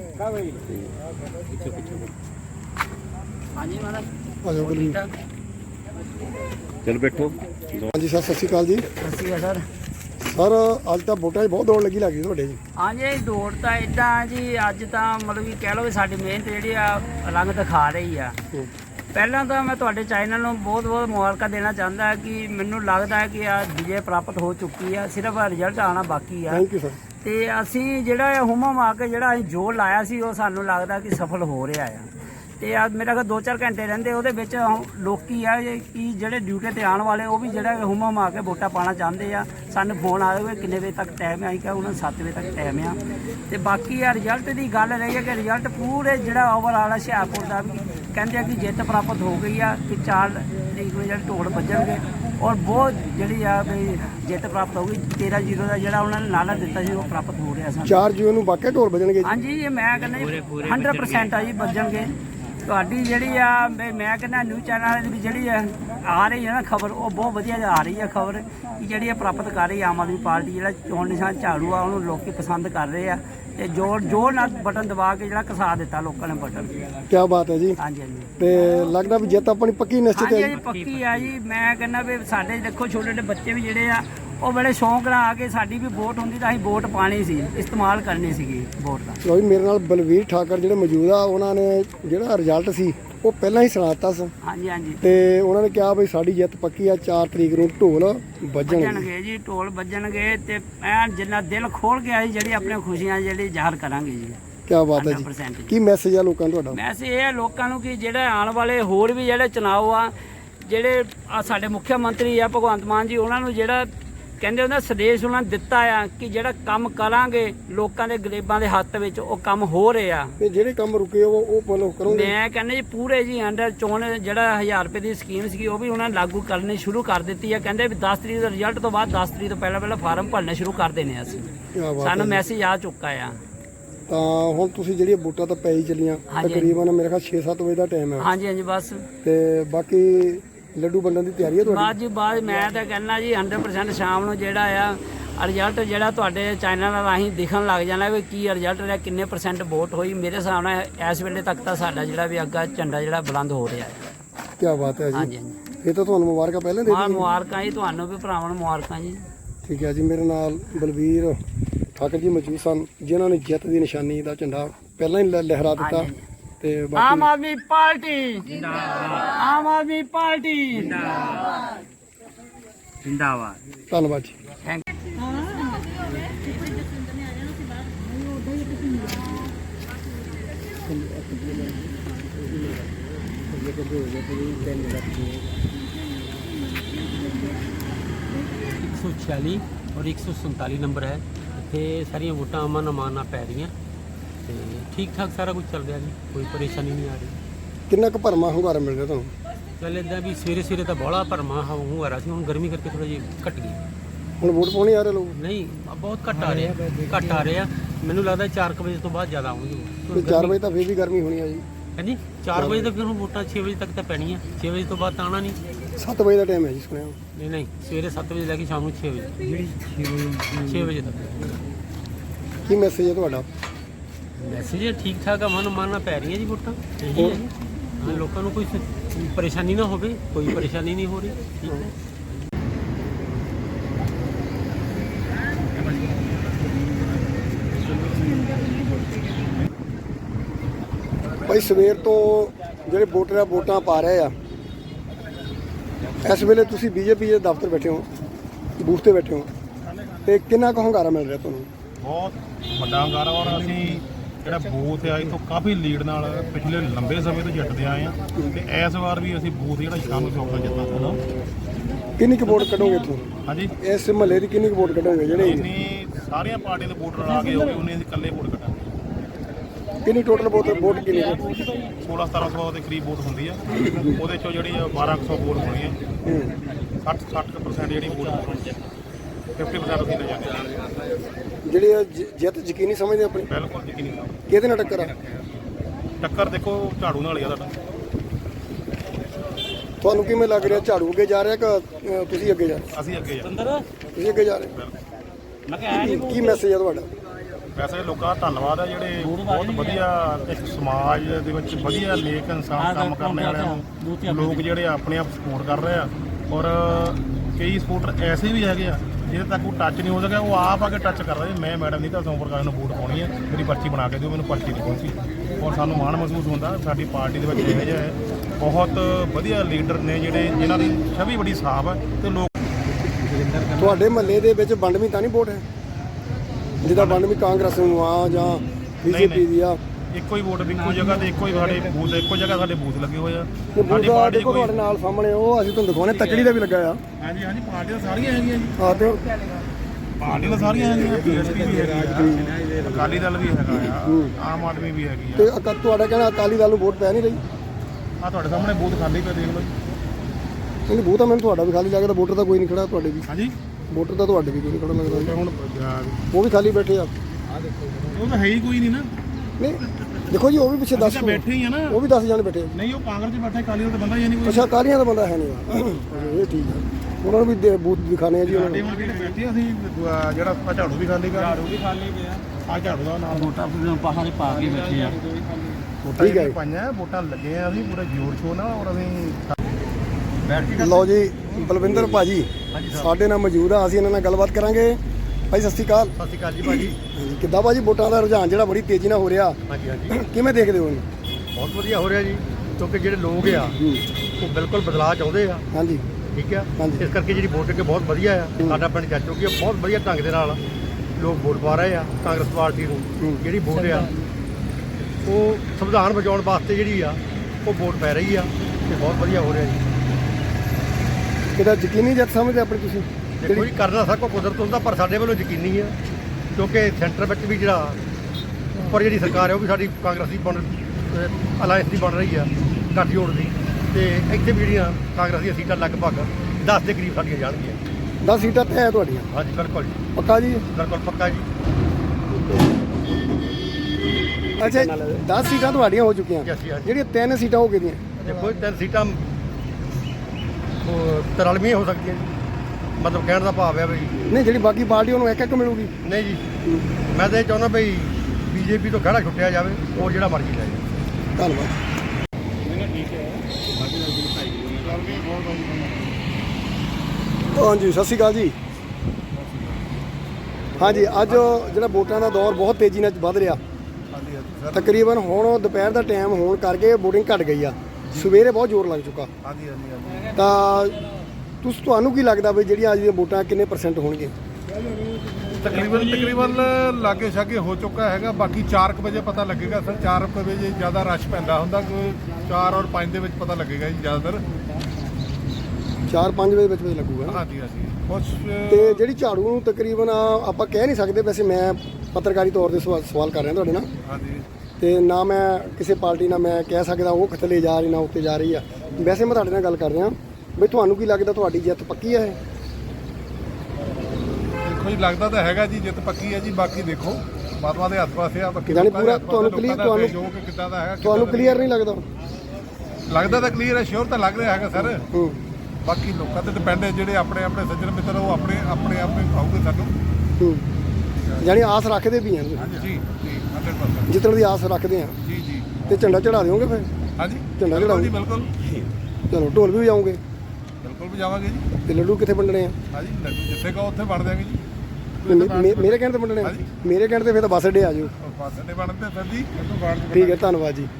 Speaker 5: ਹਾਂਜੀ ਮਹਾਰਾਜ,
Speaker 1: ਆਜੋ ਗੁਰੂ।
Speaker 9: ਚਲ ਬੈਠੋ।
Speaker 1: ਹਾਂਜੀ ਸਰ, ਸਤਿ ਸ਼੍ਰੀ ਅਕਾਲ ਜੀ।
Speaker 5: ਸਤਿ ਸ਼੍ਰੀ ਅਕਾਲ ਸਰ।
Speaker 1: ਸਰ ਅੱਜ ਤਾਂ ਵੋਟਾਂ 'ਚ ਬਹੁਤ ਦੌੜ ਲੱਗਦੀ ਤੁਹਾਡੇ ਜੀ।
Speaker 5: ਹਾਂਜੀ, ਦੌੜ ਤਾਂ ਇਦਾਂ ਜੀ, ਅੱਜ ਤਾਂ ਮਤਲਬ ਕਿ ਕਹਿ ਲਓ ਵੀ ਸਾਡੀ ਮਿਹਨਤ ਜਿਹੜੀ ਆ ਰੰਗ ਦਿਖਾ ਰਹੀ ਆ। ਪਹਿਲਾਂ ਤਾਂ ਮੈਂ ਤੁਹਾਡੇ ਚੈਨਲ ਨੂੰ ਬਹੁਤ ਬਹੁਤ ਮੁਬਾਰਕਾਂ ਦੇਣਾ ਚਾਹੁੰਦਾ ਕਿ ਮੈਨੂੰ ਲੱਗਦਾ ਕਿ ਆ ਵਿਜੇ ਪ੍ਰਾਪਤ ਹੋ ਚੁੱਕੀ ਆ, ਸਿਰਫ ਰਿਜ਼ਲਟ ਆਉਣਾ ਬਾਕੀ ਆ।
Speaker 1: Thank you sir.
Speaker 5: ਤੇ ਅਸੀਂ ਜਿਹੜਾ ਹੁਮਮ ਆ ਕੇ ਜਿਹੜਾ ਅਸੀਂ ਜੋਰ ਲਾਇਆ ਸੀ, ਉਹ ਸਾਨੂੰ ਲੱਗਦਾ ਕਿ ਸਫਲ ਹੋ ਰਿਹਾ ਆ। ਤੇ ਆ ਮੇਰਾ ਕੋਲ 2-4 ਘੰਟੇ ਰਹਿੰਦੇ, ਉਹਦੇ ਵਿੱਚ ਲੋਕੀ ਆ ਕਿ ਜਿਹੜੇ ਡਿਊਟੀ ਤੇ ਆਉਣ ਵਾਲੇ, ਉਹ ਵੀ ਜਿਹੜਾ ਹੁਮਮ ਆ ਕੇ ਵੋਟਾਂ ਪਾਉਣਾ ਚਾਹੁੰਦੇ ਆ। ਸਾਨੂੰ ਫੋਨ ਆ ਗਿਆ ਕਿੰਨੇ ਵਜੇ ਤੱਕ ਟਾਈਮ ਆ, ਅਸੀਂ ਕਿਹਾ ਉਹਨਾਂ 7 ਵਜੇ ਤੱਕ ਟਾਈਮ ਆ। ਤੇ ਬਾਕੀ ਆ ਰਿਜ਼ਲਟ ਦੀ ਗੱਲ ਰਹੀ ਹੈ ਕਿ ਰਿਜ਼ਲਟ ਪੂਰੇ ਜਿਹੜਾ ਓਵਰਆਲ ਹੁਸ਼ਿਆਰਪੁਰ ਦਾ ਵੀ ਕਹਿੰਦੇ ਆ ਕਿ ਜਿੱਤ ਪ੍ਰਾਪਤ ਹੋ ਗਈ ਆ, ਕਿ 4 ਤਰੀਕ ਨੂੰ ਜਿਹੜੇ ਢੋਲ ਵੱਜਣਗੇ, ਔਰ ਬਹੁਤ ਜਿਹੜੀ ਆ ਵੀ ਜਿੱਤ ਪ੍ਰਾਪਤ ਹੋ ਗਈ। 13-0 ਦਾ ਜਿਹੜਾ ਉਹਨਾਂ ਨੇ ਨਾਲਾ ਦਿੱਤਾ ਸੀ, ਉਹ ਪ੍ਰਾਪਤ ਹੋ ਰਿਹਾ ਸਾਨੂੰ।
Speaker 1: 4 ਜੂਨ ਨੂੰ ਵਾਕਿਆ ਢੋਲ ਵੱਜਣਗੇ?
Speaker 5: ਹਾਂਜੀ, ਇਹ ਮੈਂ ਕਹਿੰਦਾ ਜੀ 100% ਆ ਜੀ, ਵੱਜਣਗੇ।
Speaker 4: ਤੁਹਾਡੀ ਜਿਹੜੀ ਆ ਮੈਂ ਕਹਿੰਦਾ ਨਿਊਜ਼ ਚੈਨਲ ਦੀ ਜਿਹੜੀ ਆ ਰਹੀ ਹੈ ਨਾ ਖਬਰ, ਉਹ ਬਹੁਤ ਵਧੀਆ ਆ ਰਹੀ ਹੈ ਖਬਰ ਕਿ ਜਿਹੜੀ ਇਹ ਪ੍ਰਾਪਤ ਕਰ ਰਹੀ ਆਮ ਆਦਮੀ ਪਾਰਟੀ। ਜਿਹੜਾ ਚੋਣ ਨਿਸ਼ਾਨ ਝਾੜੂ ਆ ਉਹਨੂੰ ਲੋਕੀ ਪਸੰਦ ਕਰ ਰਹੇ ਆ ਤੇ ਜੋਰ ਨਾਲ ਬਟਨ ਦਬਾ ਕੇ ਜਿਹੜਾ ਘਸਾ ਦਿੱਤਾ ਲੋਕਾਂ ਨੇ ਬਟਨ।
Speaker 1: ਕੀ ਬਾਤ ਹੈ ਜੀ।
Speaker 4: ਹਾਂਜੀ ਹਾਂਜੀ
Speaker 1: ਤੇ ਲੱਗਦਾ ਵੀ ਜਿੱਤ ਆਪਣੀ ਪੱਕੀ ਨਿਸ਼ਚਿਤ ਹੈ
Speaker 4: ਹਾਂਜੀ ਪੱਕੀ ਆ ਜੀ। ਮੈਂ ਕਹਿੰਦਾ ਵੀ ਸਾਡੇ ਦੇਖੋ ਛੋਟੇ ਛੋਟੇ ਬੱਚੇ ਵੀ ਜਿਹੜੇ ਆ ਉਹ ਬੜੇ ਸ਼ੌਂਕ ਨਾਲ ਆ ਕੇ ਸਾਡੀ ਵੀ ਵੋਟ ਹੁੰਦੀ ਤਾਂ ਅਸੀਂ ਵੋਟ ਪਾਣੀ ਸੀ, ਇਸਤੇਮਾਲ ਕਰਨੀ ਸੀਗੀ ਵੋਟ ਦਾ।
Speaker 1: ਲੋ ਜੀ ਮੇਰੇ ਨਾਲ ਬਲਵੀਰ ਠਾਕਰ ਜਿਹੜੇ ਮੌਜੂਦ ਆ, ਉਹਨਾਂ ਨੇ ਜਿਹੜਾ ਰਿਜ਼ਲਟ ਸੀ ਉਹ ਪਹਿਲਾਂ ਹੀ ਸੁਣਾਤਾ ਸੀ।
Speaker 4: ਹਾਂਜੀ ਹਾਂਜੀ
Speaker 1: ਤੇ ਉਹਨਾਂ ਨੇ ਕਿਹਾ ਵੀ ਸਾਡੀ ਜਿੱਤ ਪੱਕੀ ਆ, 4 ਤਰੀਕ ਨੂੰ ਢੋਲ ਵੱਜਣਗੇ
Speaker 4: ਵੱਜਣਗੇ ਜੀ, ਢੋਲ ਵੱਜਣਗੇ ਤੇ ਐਨ ਜਿੰਨਾ ਦਿਲ ਖੋਲ ਕੇ ਅਸੀਂ ਜਿਹੜੀ ਆਪਣੀਆਂ ਖੁਸ਼ੀਆਂ ਜਿਹੜੀ ਜ਼ਾਹਰ ਕਰਾਂਗੇ ਜੀ।
Speaker 1: ਕੀ ਬਾਤ ਹੈ ਜੀ।
Speaker 4: 100%
Speaker 1: ਕੀ ਮੈਸੇਜ ਆ ਲੋਕਾਂ ਨੂੰ ਤੁਹਾਡਾ?
Speaker 4: ਮੈਸੇਜ ਇਹ ਹੈ ਲੋਕਾਂ ਨੂੰ ਕਿ ਜਿਹੜੇ ਆਉਣ ਵਾਲੇ ਹੋਰ ਵੀ ਜਿਹੜੇ ਚੁਣਾਵ ਆ, ਜਿਹੜੇ ਸਾਡੇ ਮੁੱਖ ਮੰਤਰੀ ਆ ਭਗਵੰਤ ਮਾਨ ਜੀ, ਉਹਨਾਂ ਨੂੰ ਜਿਹੜਾ ਕਹਿੰਦੇ ਉਹਨਾਂ ਸੰਦੇਸ਼ ਉਹਨਾਂ ਨੇ ਦਿੱਤਾ ਆ ਕਿ ਜਿਹੜਾ ਕੰਮ ਕਰਾਂਗੇ ਲੋਕਾਂ ਦੇ ਗਰੀਬਾਂ ਦੇ ਹੱਥ ਵਿੱਚ, ਉਹ ਕੰਮ ਹੋ ਰਹੇ ਆ।
Speaker 1: ਤੇ ਜਿਹੜੇ ਕੰਮ ਰੁਕੇ ਉਹ ਫੋਲੋ ਕਰੋਗੇ?
Speaker 4: ਮੈਂ ਕਹਿੰਦਾ ਜੀ ਪੂਰੇ ਜੀ ਅੰਡਰ ਚੋਣ ਜਿਹੜਾ 1000 ਰੁਪਏ ਦੀ ਸਕੀਮ ਸੀ ਉਹ ਵੀ ਉਹਨਾਂ ਨੇ ਲਾਗੂ ਕਰਨੀ ਸ਼ੁਰੂ ਕਰ ਦਿੱਤੀ ਆ। ਕਹਿੰਦੇ ਵੀ 10 ਤਰੀਕ ਦਾ ਰਿਜ਼ਲਟ ਤੋਂ ਬਾਅਦ 10 ਤਰੀਕ ਤੋਂ ਪਹਿਲਾਂ ਫਾਰਮ ਭਰਨੇ ਸ਼ੁਰੂ ਕਰ ਦੇਣੇ ਅਸੀਂ। ਸਾਨੂੰ ਮੈਸੇਜ ਆ ਚੁੱਕਾ ਆ।
Speaker 1: ਤਾਂ ਹੁਣ ਤੁਸੀਂ ਜਿਹੜੀਆਂ ਵੋਟਾਂ ਤਾਂ ਪੈ ਹੀ ਚੱਲੀਆਂ, ਤਕਰੀਬਨ ਮੇਰੇ ਖਿਆਲ 6-7 ਵਜੇ ਦਾ ਟਾਈਮ ਹੈ।
Speaker 4: ਹਾਂਜੀ ਹਾਂਜੀ ਬਸ।
Speaker 1: ਤੇ ਬਾਕੀ ਲੱਡੂ ਵੰਡਣ ਦੀ ਤਿਆਰੀ ਹੈ ਤੁਹਾਡੀ?
Speaker 4: ਬਾਅਦ ਜੀ ਬਾਅਦ ਮੈਂ ਤਾਂ ਕਹਿੰਦਾ ਜੀ 100% ਸ਼ਾਮ ਨੂੰ ਜਿਹੜਾ ਆ ਰਿਜ਼ਲਟ ਜਿਹੜਾ ਤੁਹਾਡੇ ਚੈਨਲ ਰਾਹੀਂ ਦਿਖਣ ਲੱਗ ਜਾਣਾ ਵੀ ਕੀ ਰਿਜ਼ਲਟ ਰਿਹਾ, ਕਿੰਨੇ % ਵੋਟ ਹੋਈ। ਮੇਰੇ ਹਿਸਾਬ ਨਾਲ ਇਸ ਵੇਲੇ ਤੱਕ ਤਾਂ ਸਾਡਾ ਜਿਹੜਾ ਵੀ ਅੱਗਾ ਝੰਡਾ ਜਿਹੜਾ ਬੁਲੰਦ ਹੋ ਰਿਹਾ ਹੈ।
Speaker 1: ਕੀ ਬਾਤ ਹੈ ਜੀ।
Speaker 4: ਹਾਂਜੀ ਹਾਂਜੀ
Speaker 1: ਇਹ ਤਾਂ ਤੁਹਾਨੂੰ ਮੁਬਾਰਕਾਂ ਪਹਿਲਾਂ ਦੇ ਦਿੱਤੀਆਂ।
Speaker 4: ਮੁਬਾਰਕਾਂ ਜੀ, ਤੁਹਾਨੂੰ ਵੀ ਭਰਾਵਾਂ ਨੂੰ ਮੁਬਾਰਕਾਂ ਜੀ।
Speaker 1: ਠੀਕ ਹੈ ਜੀ। ਮੇਰੇ ਨਾਲ ਬਲਵੀਰ ਠਾਕਰ ਜੀ ਮੌਜੂਦ ਸਨ, ਜਿਨ੍ਹਾਂ ਨੇ ਜਿੱਤ ਦੀ ਨਿਸ਼ਾਨੀ ਦਾ ਝੰਡਾ ਪਹਿਲਾਂ ਹੀ ਲਹਿਰਾ ਦਿੱਤਾ। ਤੇ
Speaker 4: ਆਮ ਆਦਮੀ ਪਾਰਟੀ ਜਿੰਦਾਬਾਦ, ਆਮ ਆਦਮੀ ਪਾਰਟੀ ਜਿੰਦਾਬਾਦ ਜਿੰਦਾਬਾਦ।
Speaker 1: ਧੰਨਵਾਦ ਜੀ।
Speaker 4: ਥੈਂਕ
Speaker 14: $146 ਔਰ 147 ਨੰਬਰ ਹੈ। ਇੱਥੇ ਸਾਰੀਆਂ ਵੋਟਾਂ ਅਮਨ ਅਮਾਨ ਨਾਲ ਪੈ ਰਹੀਆਂ ਤੇ ਠੀਕ ਠਾਕ ਸਾਰਾ ਕੁਝ ਚੱਲ ਰਿਹਾ ਜੀ, ਕੋਈ ਪਰੇਸ਼ਾਨੀ ਨਹੀਂ ਆ ਰਹੀ।
Speaker 1: ਕਿੰਨਾ ਕੁ ਭਰਮਾ ਹੁੰਗਾਰਾ ਮਿਲ ਰਿਹਾ ਤੁਹਾਨੂੰ?
Speaker 14: ਚੱਲ ਇੱਦਾਂ ਵੀ ਸਵੇਰੇ ਸਵੇਰੇ ਤਾਂ ਬੜਾ ਭਰਮਾ ਹੁੰਗਾਰਾ ਸੀ, ਹੁਣ ਗਰਮੀ ਕਰਕੇ ਥੋੜਾ ਜਿਹਾ ਘਟ ਗਈ।
Speaker 1: ਹੁਣ ਵੋਟ ਪਾਉਣੀ ਆ ਰਹੇ ਲੋਕ?
Speaker 14: ਨਹੀਂ ਬਹੁਤ ਘੱਟ ਆ ਰਹੇ ਆ। ਮੈਨੂੰ ਲੱਗਦਾ 4 ਵਜੇ ਤੋਂ ਬਾਅਦ ਜ਼ਿਆਦਾ ਆਉਣਗੇ।
Speaker 1: 4 ਵਜੇ ਤਾਂ ਫਿਰ ਵੀ ਗਰਮੀ ਹੋਣੀ ਆ ਜੀ।
Speaker 14: ਹਾਂਜੀ 4 ਵਜੇ ਤੱਕ ਫਿਰ ਹੁਣ ਵੋਟਾਂ 6 ਵਜੇ ਤੱਕ ਤਾਂ ਪੈਣੀਆਂ। 6 ਵਜੇ ਤੋਂ ਬਾਅਦ ਤਾਂ ਆਉਣਾ ਨਹੀਂ।
Speaker 1: 7 ਵਜੇ ਦਾ ਟਾਈਮ ਹੈ ਜੀ ਸੁਣਿਆ?
Speaker 14: ਨਹੀਂ ਸਵੇਰੇ 7 ਵਜੇ ਲੈ ਕੇ ਸ਼ਾਮ ਨੂੰ 6 ਵਜੇ 6 ਵਜੇ ਤੱਕ।
Speaker 1: ਕੀ ਮੈਸੇਜ ਹੈ ਤੁਹਾਡਾ?
Speaker 14: ਮੈਸੇਜ ਠੀਕ ਠਾਕ ਅਮਨ ਅਮਾਨ ਨਾਲ ਪੈ ਰਹੀਆਂ ਜੀ ਵੋਟਾਂ। ਇਹੀ ਹੈ ਜੀ, ਹਾਂ ਲੋਕਾਂ ਨੂੰ ਕੋਈ ਪਰੇਸ਼ਾਨੀ ਨਾ ਹੋਵੇ, ਕੋਈ ਪਰੇਸ਼ਾਨੀ ਨਹੀਂ ਹੋ ਰਹੀ। ਠੀਕ ਹੈ।
Speaker 1: ਭਾਈ ਸਵੇਰ ਤੋਂ ਜਿਹੜੇ ਵੋਟਰ ਆ ਵੋਟਾਂ ਪਾ ਰਹੇ ਆ, ਇਸ ਵੇਲੇ ਤੁਸੀਂ ਬੀਜੇਪੀ ਦੇ ਦਫ਼ਤਰ ਬੈਠੇ ਹੋ, ਬੂਥ ਤੇ ਬੈਠੇ ਹੋ, ਤੇ ਕਿੰਨਾ ਕੁ ਹੁੰਗਾਰਾ ਮਿਲ ਰਿਹਾ ਤੁਹਾਨੂੰ?
Speaker 15: ਬਹੁਤ ਵੱਡਾ ਹੁੰਗਾਰਾ। ਔਰ ਅਸੀਂ ਜਿਹੜਾ ਬੂਥ ਆ ਇਥੋਂ ਕਾਫੀ ਲੀਡ ਨਾਲ ਪਿਛਲੇ ਲੰਬੇ ਸਮੇਂ ਤੋਂ ਜਿੱਤਦੇ ਆਏ ਆ ਤੇ ਇਸ ਵਾਰ ਵੀ ਅਸੀਂ ਬੂਥ ਜਿਹੜਾ ਸ਼ਾਮ ਨੂੰ ਚੌਕਾ ਜਿੱਤਾਂਗੇ।
Speaker 1: ਕਿੰਨੀ ਕੁ ਵੋਟ ਕੱਢੋਗੇ ਇੱਥੋਂ?
Speaker 15: ਹਾਂਜੀ
Speaker 1: ਇਸ ਮਹੱਲੇ ਦੀ ਕਿੰਨੀ ਕੁ ਵੋਟ ਕੱਢੋਗੇ? ਜਿਹੜੇ
Speaker 15: ਇੰਨੀ ਸਾਰੀਆਂ ਪਾਰਟੀਆਂ ਦੇ ਵੋਟਰ ਆ ਗਏ ਹੋਗੇ ਉਹਨੇ ਅਸੀਂ ਇਕੱਲੇ ਵੋਟ ਕੱਢਾਂਗੇ।
Speaker 1: ਕਿੰਨੀ ਟੋਟਲ ਵੋਟ ਕਿੰਨੀ?
Speaker 15: 16-1700 ਦੇ ਕਰੀਬ ਵੋਟ ਹੁੰਦੀ ਆ। ਉਹਦੇ ਚੋਂ ਜਿਹੜੀ 1200 ਵੋਟ ਹੋਣੀ ਹੈ। 60% ਜਿਹੜੀ ਵੋਟ ਹੋਣੀ ਹੈ, 50% ਅਸੀਂ ਲੈ ਜਾਂਦੇ।
Speaker 1: ਜਿਹੜੀ ਜਿੱਤ ਯਕੀਨੀ ਸਮਝਦੇ ਆਪਣੀ?
Speaker 15: ਬਿਲਕੁਲ ਯਕੀਨੀ ਸਮਝਦੇ।
Speaker 1: ਕਿਹਦੇ ਨਾਲ ਟੱਕਰ ਆ?
Speaker 15: ਟੱਕਰ ਦੇਖੋ ਝਾੜੂ ਨਾਲ ਹੀ ਆ ਤੁਹਾਡਾ।
Speaker 1: ਤੁਹਾਨੂੰ ਕਿਵੇਂ ਲੱਗ ਰਿਹਾ, ਝਾੜੂ ਅੱਗੇ ਜਾ ਰਿਹਾ ਕਿ ਤੁਸੀਂ ਅੱਗੇ ਜਾ ਰਹੇ?
Speaker 15: ਅਸੀਂ ਅੱਗੇ ਜਾ
Speaker 1: ਤੁਸੀਂ ਅੱਗੇ ਜਾ ਰਹੇ। ਕੀ ਮੈਸੇਜ ਹੈ ਤੁਹਾਡਾ?
Speaker 15: ਵੈਸੇ ਲੋਕਾਂ ਦਾ ਧੰਨਵਾਦ ਹੈ ਜਿਹੜੇ ਬਹੁਤ ਵਧੀਆ ਇੱਕ ਸਮਾਜ ਦੇ ਵਿੱਚ ਵਧੀਆ ਨੇਕ ਇਨਸਾਨ ਕੰਮ ਕਰਨ ਵਾਲਿਆਂ ਨੂੰ ਲੋਕ ਜਿਹੜੇ ਆਪਣੇ ਆਪ ਸਪੋਰਟ ਕਰ ਰਹੇ ਆ। ਔਰ ਕਈ ਸਪੋਰਟਰ ਐਸੇ ਵੀ ਹੈਗੇ ਆ ਜਿਹਦੇ ਤੱਕ ਉਹ ਟੱਚ ਨਹੀਂ ਹੋ ਸਕਿਆ, ਉਹ ਆਪ ਆ ਕੇ ਟੱਚ ਕਰ ਰਹੇ। ਮੈਂ ਮੈਡਮ ਨਹੀਂ ਤਾਂ ਸੋਮ ਪ੍ਰਕਾਸ਼ ਨੂੰ ਵੋਟ ਪਾਉਣੀ ਹੈ, ਮੇਰੀ ਪਰਚੀ ਬਣਾ ਕੇ ਦਿਓ, ਮੈਨੂੰ ਪਰਚੀ ਨਹੀਂ ਪਹੁੰਚੀ। ਔਰ ਸਾਨੂੰ ਮਾਣ ਮਹਿਸੂਸ ਹੁੰਦਾ ਸਾਡੀ ਪਾਰਟੀ ਦੇ ਵਿੱਚ ਇਹੋ ਜਿਹੇ ਬਹੁਤ ਵਧੀਆ ਲੀਡਰ ਨੇ ਜਿਹੜੇ ਜਿਨ੍ਹਾਂ ਦੀ ਛਵੀ ਬੜੀ ਸਾਫ਼ ਹੈ ਤੇ ਲੋਕ।
Speaker 1: ਤੁਹਾਡੇ ਮਹੱਲੇ ਦੇ ਵਿੱਚ ਵੰਡਵੀਂ ਤਾਂ ਨਹੀਂ ਵੋਟ ਹੈ? ਜਿੱਦਾਂ ਵੰਡਵੀਂ ਕਾਂਗਰਸ ਨੂੰ ਆ ਜਾਂ ਬੀਜੇਪੀ ਦੀ ਆ?
Speaker 15: ਇੱਕੋ ਹੀ ਵੋਟ, ਇੱਕੋ ਜਗ੍ਹਾ ਤੇ ਇੱਕੋ ਹੀ ਸਾਡੇ ਬੂਥ, ਇੱਕੋ ਜਗ੍ਹਾ ਸਾਡੇ ਬੂਥ ਲੱਗੇ ਹੋਏ ਆ।
Speaker 1: ਸਾਡੀ ਪਾਰਟੀ ਦੇਖੋ ਤੁਹਾਡੇ ਨਾਲ ਸਾਹਮਣੇ, ਉਹ ਅਸੀਂ ਤੁਹਾਨੂੰ ਦਿਖਾਉਣੇ, ਤਕੜੀ ਦਾ ਵੀ ਲੱਗਾ ਆ।
Speaker 15: ਹਾਂਜੀ ਪਾਰਟੀਆਂ ਸਾਰੀਆਂ ਹੈਗੀਆਂ ਜੀ।
Speaker 1: ਹਾਂ ਤੇ
Speaker 15: ਪਾਰਟੀਆਂ ਸਾਰੀਆਂ ਹੈਗੀਆਂ, ਬੀਐਸਪੀ ਵੀ ਹੈਗੀ ਆ, ਅਕਾਲੀ ਦਲ ਵੀ ਹੈਗਾ ਆ, ਆਮ ਆਦਮੀ ਵੀ ਹੈਗੀ ਆ।
Speaker 1: ਤੇ ਤੁਹਾਡਾ ਕਹਿਣਾ ਅਕਾਲੀ ਦਲ ਨੂੰ ਵੋਟ ਪੈ ਨਹੀਂ ਰਹੀ?
Speaker 15: ਆ ਤੁਹਾਡੇ ਸਾਹਮਣੇ ਬੂਥ ਖਾਲੀ ਪਿਆ, ਦੇਖ ਲਓ ਜੀ।
Speaker 1: ਨਹੀਂ ਬੂਥ ਤਾਂ ਮੈਨੂੰ ਤੁਹਾਡਾ ਵੀ ਖਾਲੀ ਲੱਗਦਾ, ਵੋਟਰ ਤਾਂ ਕੋਈ ਨਹੀਂ ਖੜਾ ਤੁਹਾਡੇ ਵੀ?
Speaker 15: ਹਾਂਜੀ
Speaker 1: ਵੋਟਰ ਤਾਂ ਤੁਹਾਡੇ ਵੀ ਕੋਈ ਨਹੀਂ ਖੜਾ ਲੱਗਦਾ।
Speaker 15: ਹੁਣ
Speaker 1: ਉਹ ਵੀ ਖਾਲੀ ਬੈਠੇ ਆ।
Speaker 15: ਉਹ ਤਾਂ ਹੈ ਹੀ ਕੋਈ ਨਹੀਂ ਨਾ।
Speaker 1: ਨਹੀਂ ਦੇਖੋ ਜੀ ਉਹ ਵੀ ਪਿੱਛੇ 10
Speaker 15: ਬੈਠੇ ਹੀ ਆ ਨਾ,
Speaker 1: ਉਹ ਵੀ 10 ਜਣੇ ਬੈਠੇ।
Speaker 15: ਨਹੀਂ ਉਹ ਕਾਂਗਰਸ 'ਚ ਬੈਠਾ, ਕਾਲੀ ਦਾ ਤਾਂ ਬੰਦਾ ਹੀ ਨਹੀਂ ਕੋਈ।
Speaker 1: ਅੱਛਾ ਕਾਲੀਆਂ ਦਾ ਬੰਦਾ ਹੈ ਨਹੀਂ ਇਹ ਠੀਕ ਹੈ। ਉਹਨਾਂ ਨੂੰ ਵੀ ਬੂਥ ਦਿਖਾਣੇ ਆ ਜੀ ਉਹਨਾਂ
Speaker 15: ਸਾਡੇ
Speaker 1: ਨੂੰ।
Speaker 15: ਹੁਣ ਜਿਹੜੇ ਬੈਠੇ ਅਸੀਂ ਜਿਹੜਾ ਆਹ ਝਾੜੂ ਵੀ ਖਾਲੀ ਕਰ, ਝਾੜੂ ਵੀ ਖਾਲੀ ਪਿਆ, ਆਹ ਝਾੜੂ ਦਾ ਨਾਲ
Speaker 14: ਵੋਟਾਂ ਪਹਾੜੇ ਪਾ ਕੇ ਬੈਠੇ ਆ।
Speaker 15: ਵੋਟਾਂ
Speaker 1: ਠੀਕ ਹੈ
Speaker 15: ਜਿਹੜੀਆਂ
Speaker 1: ਜੀ।
Speaker 15: ਪਾਈਆਂ, ਵੋਟਾਂ ਲੱਗੇ ਆ ਅਸੀਂ ਪੂਰਾ ਜ਼ੋਰ ਸ਼ੋਰ ਨਾਲ, ਔਰ ਅਸੀਂ ਬੈਠ ਕੇ
Speaker 1: ਲਓ ਜੀ ਬਲਵਿੰਦਰ ਭਾਜੀ ਸਾਡੇ ਨਾਲ ਮੌਜੂਦ ਆ, ਅਸੀਂ ਇਹਨਾਂ ਨਾਲ ਗੱਲਬਾਤ ਕਰਾਂਗੇ। ਭਾਈ ਸਤਿ ਸ਼੍ਰੀ ਅਕਾਲ।
Speaker 15: ਸਤਿ ਸ਼੍ਰੀ ਅਕਾਲ ਜੀ ਭਾਜੀ।
Speaker 1: ਹਾਂਜੀ, ਕਿੱਦਾਂ ਭਾਜੀ ਵੋਟਾਂ ਦਾ ਰੁਝਾਨ ਜਿਹੜਾ ਬੜੀ ਤੇਜ਼ੀ ਨਾਲ ਹੋ ਰਿਹਾ,
Speaker 15: ਹਾਂਜੀ ਹਾਂਜੀ
Speaker 1: ਕਿਵੇਂ ਦੇਖਦੇ ਹੋ ਇਹਨੂੰ?
Speaker 15: ਬਹੁਤ ਵਧੀਆ ਹੋ ਰਿਹਾ ਜੀ, ਕਿਉਂਕਿ ਜਿਹੜੇ ਲੋਕ ਆ ਉਹ ਬਿਲਕੁਲ ਬਦਲਾਅ ਚਾਹੁੰਦੇ ਆ।
Speaker 1: ਹਾਂਜੀ
Speaker 15: ਠੀਕ ਆ,
Speaker 1: ਹਾਂਜੀ।
Speaker 15: ਇਸ ਕਰਕੇ ਜਿਹੜੀ ਵੋਟ ਅੱਗੇ ਬਹੁਤ ਵਧੀਆ ਆ। ਸਾਡਾ ਪਿੰਡ ਚੱਲ ਚੁੱਕੀ ਆ, ਬਹੁਤ ਵਧੀਆ ਢੰਗ ਦੇ ਨਾਲ ਲੋਕ ਵੋਟ ਪਾ ਰਹੇ ਆ ਕਾਂਗਰਸ ਪਾਰਟੀ ਨੂੰ। ਜਿਹੜੀ ਵੋਟ ਆ ਉਹ ਸੰਵਿਧਾਨ ਬਚਾਉਣ ਵਾਸਤੇ ਜਿਹੜੀ ਆ ਉਹ ਵੋਟ ਪੈ ਰਹੀ ਆ ਤੇ ਬਹੁਤ ਵਧੀਆ ਹੋ ਰਿਹਾ ਜੀ।
Speaker 1: ਕਿਹਦਾ ਯਕੀਨੀ ਜਿੱਤ ਸਮਝਦੇ ਆਪਣੀ ਤੁਸੀਂ?
Speaker 15: ਦੇਖੋ ਜੀ ਕਰਨਾ ਸਭ ਕੋ ਕੁਦਰਤ ਹੁੰਦਾ, ਪਰ ਸਾਡੇ ਵੱਲੋਂ ਯਕੀਨੀ ਆ, ਕਿਉਂਕਿ ਸੈਂਟਰ ਵਿੱਚ ਵੀ ਜਿਹੜਾ ਉੱਪਰ ਜਿਹੜੀ ਸਰਕਾਰ ਹੈ ਉਹ ਵੀ ਸਾਡੀ ਕਾਂਗਰਸ ਦੀ ਅਲਾਇੰਸ ਦੀ ਬਣ ਰਹੀ ਆ, ਗੱਠਜੋੜ ਦੀ। ਤੇ ਇੱਥੇ ਵੀ ਜਿਹੜੀਆਂ ਕਾਂਗਰਸ ਦੀਆਂ ਸੀਟਾਂ ਲਗਭਗ 10 ਦੇ ਕਰੀਬ ਸਾਡੀਆਂ ਜਾਣਗੀਆਂ।
Speaker 1: 10 ਸੀਟਾਂ ਤੈਅ ਹੈ ਤੁਹਾਡੀਆਂ?
Speaker 15: ਹਾਂਜੀ ਬਿਲਕੁਲ ਜੀ,
Speaker 1: ਪੱਕਾ ਜੀ?
Speaker 15: ਬਿਲਕੁਲ ਪੱਕਾ ਜੀ।
Speaker 1: ਅੱਛਾ 10 ਸੀਟਾਂ ਤੁਹਾਡੀਆਂ ਹੋ ਚੁੱਕੀਆਂ, ਜਿਹੜੀਆਂ 3 ਸੀਟਾਂ ਹੋ ਗਈਆਂ?
Speaker 15: ਦੇਖੋ 3 ਸੀਟਾਂ ਤਰਲਵੀਆਂ ਹੋ ਸਕਦੀਆਂ ਜੀ, ਮਤਲਬ ਕਹਿਣ ਦਾ ਭਾਵ ਹੈ ਬਈ।
Speaker 1: ਨਹੀਂ ਜਿਹੜੀ ਬਾਕੀ ਪਾਰਟੀ ਉਹਨੂੰ ਇੱਕ ਇੱਕ ਮਿਲੂਗੀ?
Speaker 15: ਨਹੀਂ ਜੀ, ਮੈਂ ਤਾਂ ਇਹ ਚਾਹੁੰਦਾ ਬਈ ਬੀਜੇਪੀ ਤੋਂ ਖੜਾ ਛੁੱਟਿਆ ਜਾਵੇ, ਹੋਰ ਜਿਹੜਾ ਮਰਜ਼ੀ ਲੈ ਜਾਵੇ।
Speaker 1: ਧੰਨਵਾਦ। ਹਾਂਜੀ ਸਤਿ ਸ਼੍ਰੀ ਅਕਾਲ ਜੀ। ਹਾਂਜੀ ਅੱਜ ਜਿਹੜਾ ਵੋਟਾਂ ਦਾ ਦੌਰ ਬਹੁਤ ਤੇਜ਼ੀ ਨਾਲ ਵੱਧ ਰਿਹਾ, ਤਕਰੀਬਨ ਹੁਣ ਦੁਪਹਿਰ ਦਾ ਟਾਈਮ ਹੋਣ ਕਰਕੇ VOTING ਘਟ ਗਈ ਆ, ਸਵੇਰੇ ਬਹੁਤ ਜ਼ੋਰ ਲੱਗ ਚੁੱਕਾ।
Speaker 15: ਹਾਂਜੀ ਹਾਂਜੀ।
Speaker 1: ਤਾਂ ਤੁਹਾਨੂੰ ਕੀ ਲੱਗਦਾ ਵੀ ਜਿਹੜੀਆਂ ਅੱਜ ਦੀਆਂ ਵੋਟਾਂ ਕਿੰਨੇ % ਹੋਣਗੇ?
Speaker 11: ਤਕਰੀਬਨ ਲਾਗੇ ਛਾਗੇ ਹੋ ਚੁੱਕਾ ਹੈਗਾ। ਬਾਕੀ 4 ਵਜੇ ਪਤਾ ਲੱਗੇਗਾ ਸਰ, 4 ਵਜੇ ਜ਼ਿਆਦਾ ਰਸ਼ ਪੈਂਦਾ ਹੁੰਦਾ, ਕੋਈ 4 ਔਰ 5 ਦੇ ਵਿੱਚ ਪਤਾ ਲੱਗੇਗਾ ਜੀ ਜ਼ਿਆਦਾਤਰ।
Speaker 1: 4-5 ਵਜੇ ਵਿੱਚ ਲੱਗੂਗਾ।
Speaker 11: ਹਾਂਜੀ ਹਾਂਜੀ। ਕੁਛ
Speaker 1: ਤੇ ਜਿਹੜੀ ਝਾੜੂ ਨੂੰ ਤਕਰੀਬਨ ਆਪਾਂ ਕਹਿ ਨਹੀਂ ਸਕਦੇ, ਵੈਸੇ ਮੈਂ ਪੱਤਰਕਾਰੀ ਤੌਰ ਤੇ ਸਵਾਲ ਕਰ ਰਿਹਾ ਤੁਹਾਡੇ ਨਾਲ।
Speaker 11: ਹਾਂਜੀ।
Speaker 1: ਤੇ ਨਾ ਮੈਂ ਕਿਸੇ ਪਾਰਟੀ ਨਾਲ ਮੈਂ ਕਹਿ ਸਕਦਾ ਉਹ ਥੱਲੇ ਜਾ ਰਹੀ ਨਾ ਉੱਤੇ ਜਾ ਰਹੀ ਆ, ਵੈਸੇ ਮੈਂ ਤੁਹਾਡੇ ਨਾਲ ਗੱਲ ਕਰ ਰਿਹਾ ਬਈ ਤੁਹਾਨੂੰ ਕੀ ਲੱਗਦਾ ਤੁਹਾਡੀ ਜਿੱਤ ਪੱਕੀ ਹੈ?
Speaker 11: ਦੇਖੋ ਜੀ ਲੱਗਦਾ ਤਾਂ ਹੈਗਾ ਜੀ ਜਿੱਤ ਪੱਕੀ ਹੈ ਜੀ, ਬਾਕੀ ਦੇਖੋ ਪਰਮਾਤਮਾ ਦੇ ਹੱਥ ਪਾਸੇ ਆ। ਬਾਕੀ
Speaker 1: ਯਾਨੀ ਪੂਰਾ ਤੁਹਾਨੂੰ ਕਲੀਅਰ
Speaker 11: ਕਿੱਦਾਂ ਦਾ ਹੈਗਾ,
Speaker 1: ਤੁਹਾਨੂੰ ਕਲੀਅਰ ਨਹੀਂ ਲੱਗਦਾ?
Speaker 11: ਲੱਗਦਾ ਤਾਂ ਕਲੀਅਰ ਹੈ, ਸ਼ੋਰ ਤਾਂ ਲੱਗ ਰਿਹਾ ਹੈਗਾ ਸਰ। ਬਾਕੀ ਲੋਕਾਂ ਤੇ ਡਿਪੈਂਡ ਹੈ, ਜਿਹੜੇ ਆਪਣੇ ਆਪਣੇ ਸੱਜਣ ਮਿੱਤਰ ਉਹ ਆਪਣੇ ਆਉਗੇ ਸਾਨੂੰ।
Speaker 1: ਯਾਨੀ ਆਸ ਰੱਖਦੇ ਵੀ ਆ?
Speaker 11: ਜੀ ਜੀ 100%
Speaker 1: ਜਿੱਤਣ ਦੀ ਆਸ ਰੱਖਦੇ ਆ
Speaker 11: ਜੀ ਜੀ।
Speaker 1: ਤੇ ਝੰਡਾ ਚੜਾ ਦਿਓਗੇ ਫਿਰ?
Speaker 11: ਹਾਂਜੀ
Speaker 1: ਝੰਡਾ ਚੜਾਓ
Speaker 11: ਜੀ ਬਿਲਕੁਲ।
Speaker 1: ਚਲੋ ਢੋਲ ਵੀ ਵਜਾਓਗੇ?
Speaker 11: ਬਿਲਕੁਲ ਵਜਾਵਾਂਗੇ ਜੀ।
Speaker 1: ਤੇ ਲੱਡੂ ਕਿੱਥੇ ਵੰਡਣੇ ਆ?
Speaker 11: ਹਾਂਜੀ ਲੱਡੂ ਜਿੱਥੇ ਕਹੋ ਉੱਥੇ ਵੰਡ ਦਿਆਂਗੇ ਜੀ।
Speaker 1: ਮੇਰੇ ਕਹਿਣ ਤੇ ਵੰਡਣੇ ਆ? ਮੇਰੇ ਕਹਿਣ ਤੇ ਫਿਰ ਤਾਂ ਬੱਸ ਅੱਡੇ ਆ ਜਾਓ।
Speaker 11: ਬੱਸ ਅੱਡੇ ਬਣਦੇ ਫਿਰ ਜੀ।
Speaker 1: ਠੀਕ ਹੈ ਧੰਨਵਾਦ ਜੀ।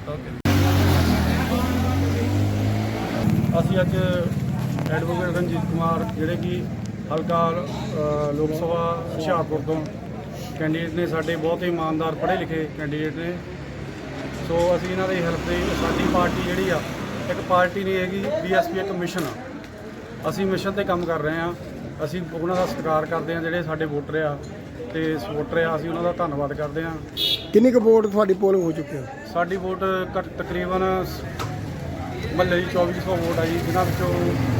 Speaker 12: ਅਸੀਂ ਅੱਜ ਐਡਵੋਕੇਟ ਰਣਜੀਤ ਕੁਮਾਰ ਜਿਹੜੇ ਕਿ ਹਲਕਾ ਲੋਕ ਸਭਾ ਹੁਸ਼ਿਆਰਪੁਰ ਤੋਂ ਕੈਂਡੀਡੇਟ ਨੇ, ਸਾਡੇ ਬਹੁਤ ਹੀ ਇਮਾਨਦਾਰ ਪੜ੍ਹੇ ਲਿਖੇ ਕੈਂਡੀਡੇਟ ਨੇ। ਸੋ ਅਸੀਂ ਇਹਨਾਂ ਦੀ ਹੈਲਪ ਲਈ, ਸਾਡੀ ਪਾਰਟੀ ਜਿਹੜੀ ਆ ਇੱਕ ਪਾਰਟੀ ਨਹੀਂ ਹੈਗੀ, BSP ਇੱਕ ਮਿਸ਼ਨ ਆ। ਅਸੀਂ ਮਿਸ਼ਨ ਤੇ ਕੰਮ ਕਰ ਰਹੇ ਹਾਂ। ਅਸੀਂ ਉਹਨਾਂ ਦਾ ਸਤਿਕਾਰ ਕਰਦੇ ਹਾਂ ਜਿਹੜੇ ਸਾਡੇ ਵੋਟਰ ਆ ਤੇ ਸਪੋਰਟਰ ਆ, ਅਸੀਂ ਉਹਨਾਂ ਦਾ ਧੰਨਵਾਦ ਕਰਦੇ ਹਾਂ।
Speaker 1: ਕਿੰਨੀ ਕੁ ਵੋਟ ਤੁਹਾਡੀ ਪੋਲਿੰਗ ਹੋ ਚੁੱਕੀ ਹੈ?
Speaker 12: ਸਾਡੀ ਵੋਟ ਤਕਰੀਬਨ ਮਹੱਲੇ ਦੀ 2400 ਵੋਟ ਆ ਜੀ, ਜਿਨ੍ਹਾਂ ਵਿੱਚੋਂ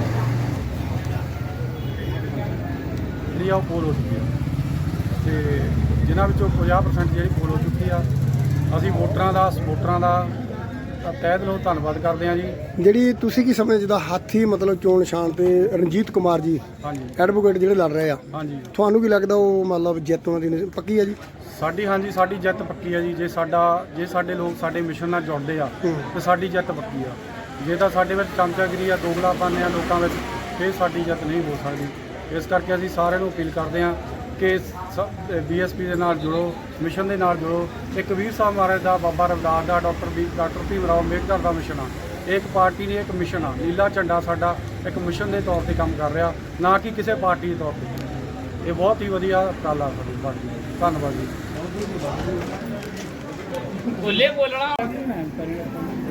Speaker 12: ਜਿਹੜੀ ਆ ਉਹ ਪੋਲ ਹੋ ਚੁੱਕੀ ਆ ਤੇ ਜਿਨ੍ਹਾਂ ਵਿੱਚੋਂ 50% ਜਿਹੜੀ ਪੋਲ ਹੋ ਚੁੱਕੀ ਆ। ਅਸੀਂ ਵੋਟਰਾਂ ਦਾ ਸਪੋਰਟਰਾਂ ਦਾ ਤਹਿ ਦਿਲੋਂ ਧੰਨਵਾਦ ਕਰਦੇ ਹਾਂ ਜੀ।
Speaker 1: ਜਿਹੜੀ ਤੁਸੀਂ ਕੀ ਸਮਝਦੇ ਜਿੱਦਾਂ ਹਾਥੀ ਮਤਲਬ ਚੋਣ ਨਿਸ਼ਾਨ ਤੇ ਰਣਜੀਤ ਕੁਮਾਰ ਜੀ ਐਡਵੋਕੇਟ ਜਿਹੜੇ ਲੜ ਰਹੇ ਆ, ਤੁਹਾਨੂੰ ਕੀ ਲੱਗਦਾ ਉਹ ਮਤਲਬ ਜਿੱਤ ਉਹਨਾਂ ਦੀ ਪੱਕੀ ਹੈ ਜੀ?
Speaker 12: ਹਾਂਜੀ ਸਾਡੀ ਜਿੱਤ ਪੱਕੀ ਆ ਜੀ। ਜੇ ਸਾਡੇ ਲੋਕ ਸਾਡੇ ਮਿਸ਼ਨ ਨਾਲ ਜੁੜਦੇ ਆ ਤੇ ਸਾਡੀ ਜਿੱਤ ਪੱਕੀ ਆ। ਜੇ ਤਾਂ ਸਾਡੇ ਵਿੱਚ ਚਮਚਾਗਿਰੀ ਆ, ਦੋਗਲਾਪਨ ਆ ਲੋਕਾਂ ਵਿੱਚ, ਫਿਰ ਸਾਡੀ ਜਿੱਤ ਨਹੀਂ ਹੋ ਸਕਦੀ। ਇਸ ਕਰਕੇ ਅਸੀਂ ਸਾਰਿਆਂ ਨੂੰ ਅਪੀਲ ਕਰਦੇ ਹਾਂ ਕਿ BSP ਦੇ ਨਾਲ ਜੁੜੋ, ਮਿਸ਼ਨ ਦੇ ਨਾਲ ਜੁੜੋ। ਇੱਕ ਵੀਰ ਸਾਹਿਬ ਮਹਾਰਾਜ ਦਾ, ਬਾਬਾ ਰਵਿਦਾਸ ਦਾ, ਡਾਕਟਰ ਭੀਮ ਰਾਓ ਅੰਬੇਡਕਰ ਦਾ ਮਿਸ਼ਨ ਆ। ਇਹ ਇੱਕ ਪਾਰਟੀ ਨਹੀਂ, ਇੱਕ ਮਿਸ਼ਨ ਆ। ਨੀਲਾ ਝੰਡਾ ਸਾਡਾ ਇੱਕ ਮਿਸ਼ਨ ਦੇ ਤੌਰ ਤੇ ਕੰਮ ਕਰ ਰਿਹਾ, ਨਾ ਕਿ ਕਿਸੇ ਪਾਰਟੀ ਦੇ ਤੌਰ ਤੇ। ਇਹ ਬਹੁਤ ਹੀ ਵਧੀਆ ਉਪਰਾਲਾ ਸਾਡੀ ਪਾਰਟੀ ਦਾ। ਧੰਨਵਾਦ ਜੀ।
Speaker 8: ਬੋਲਣਾ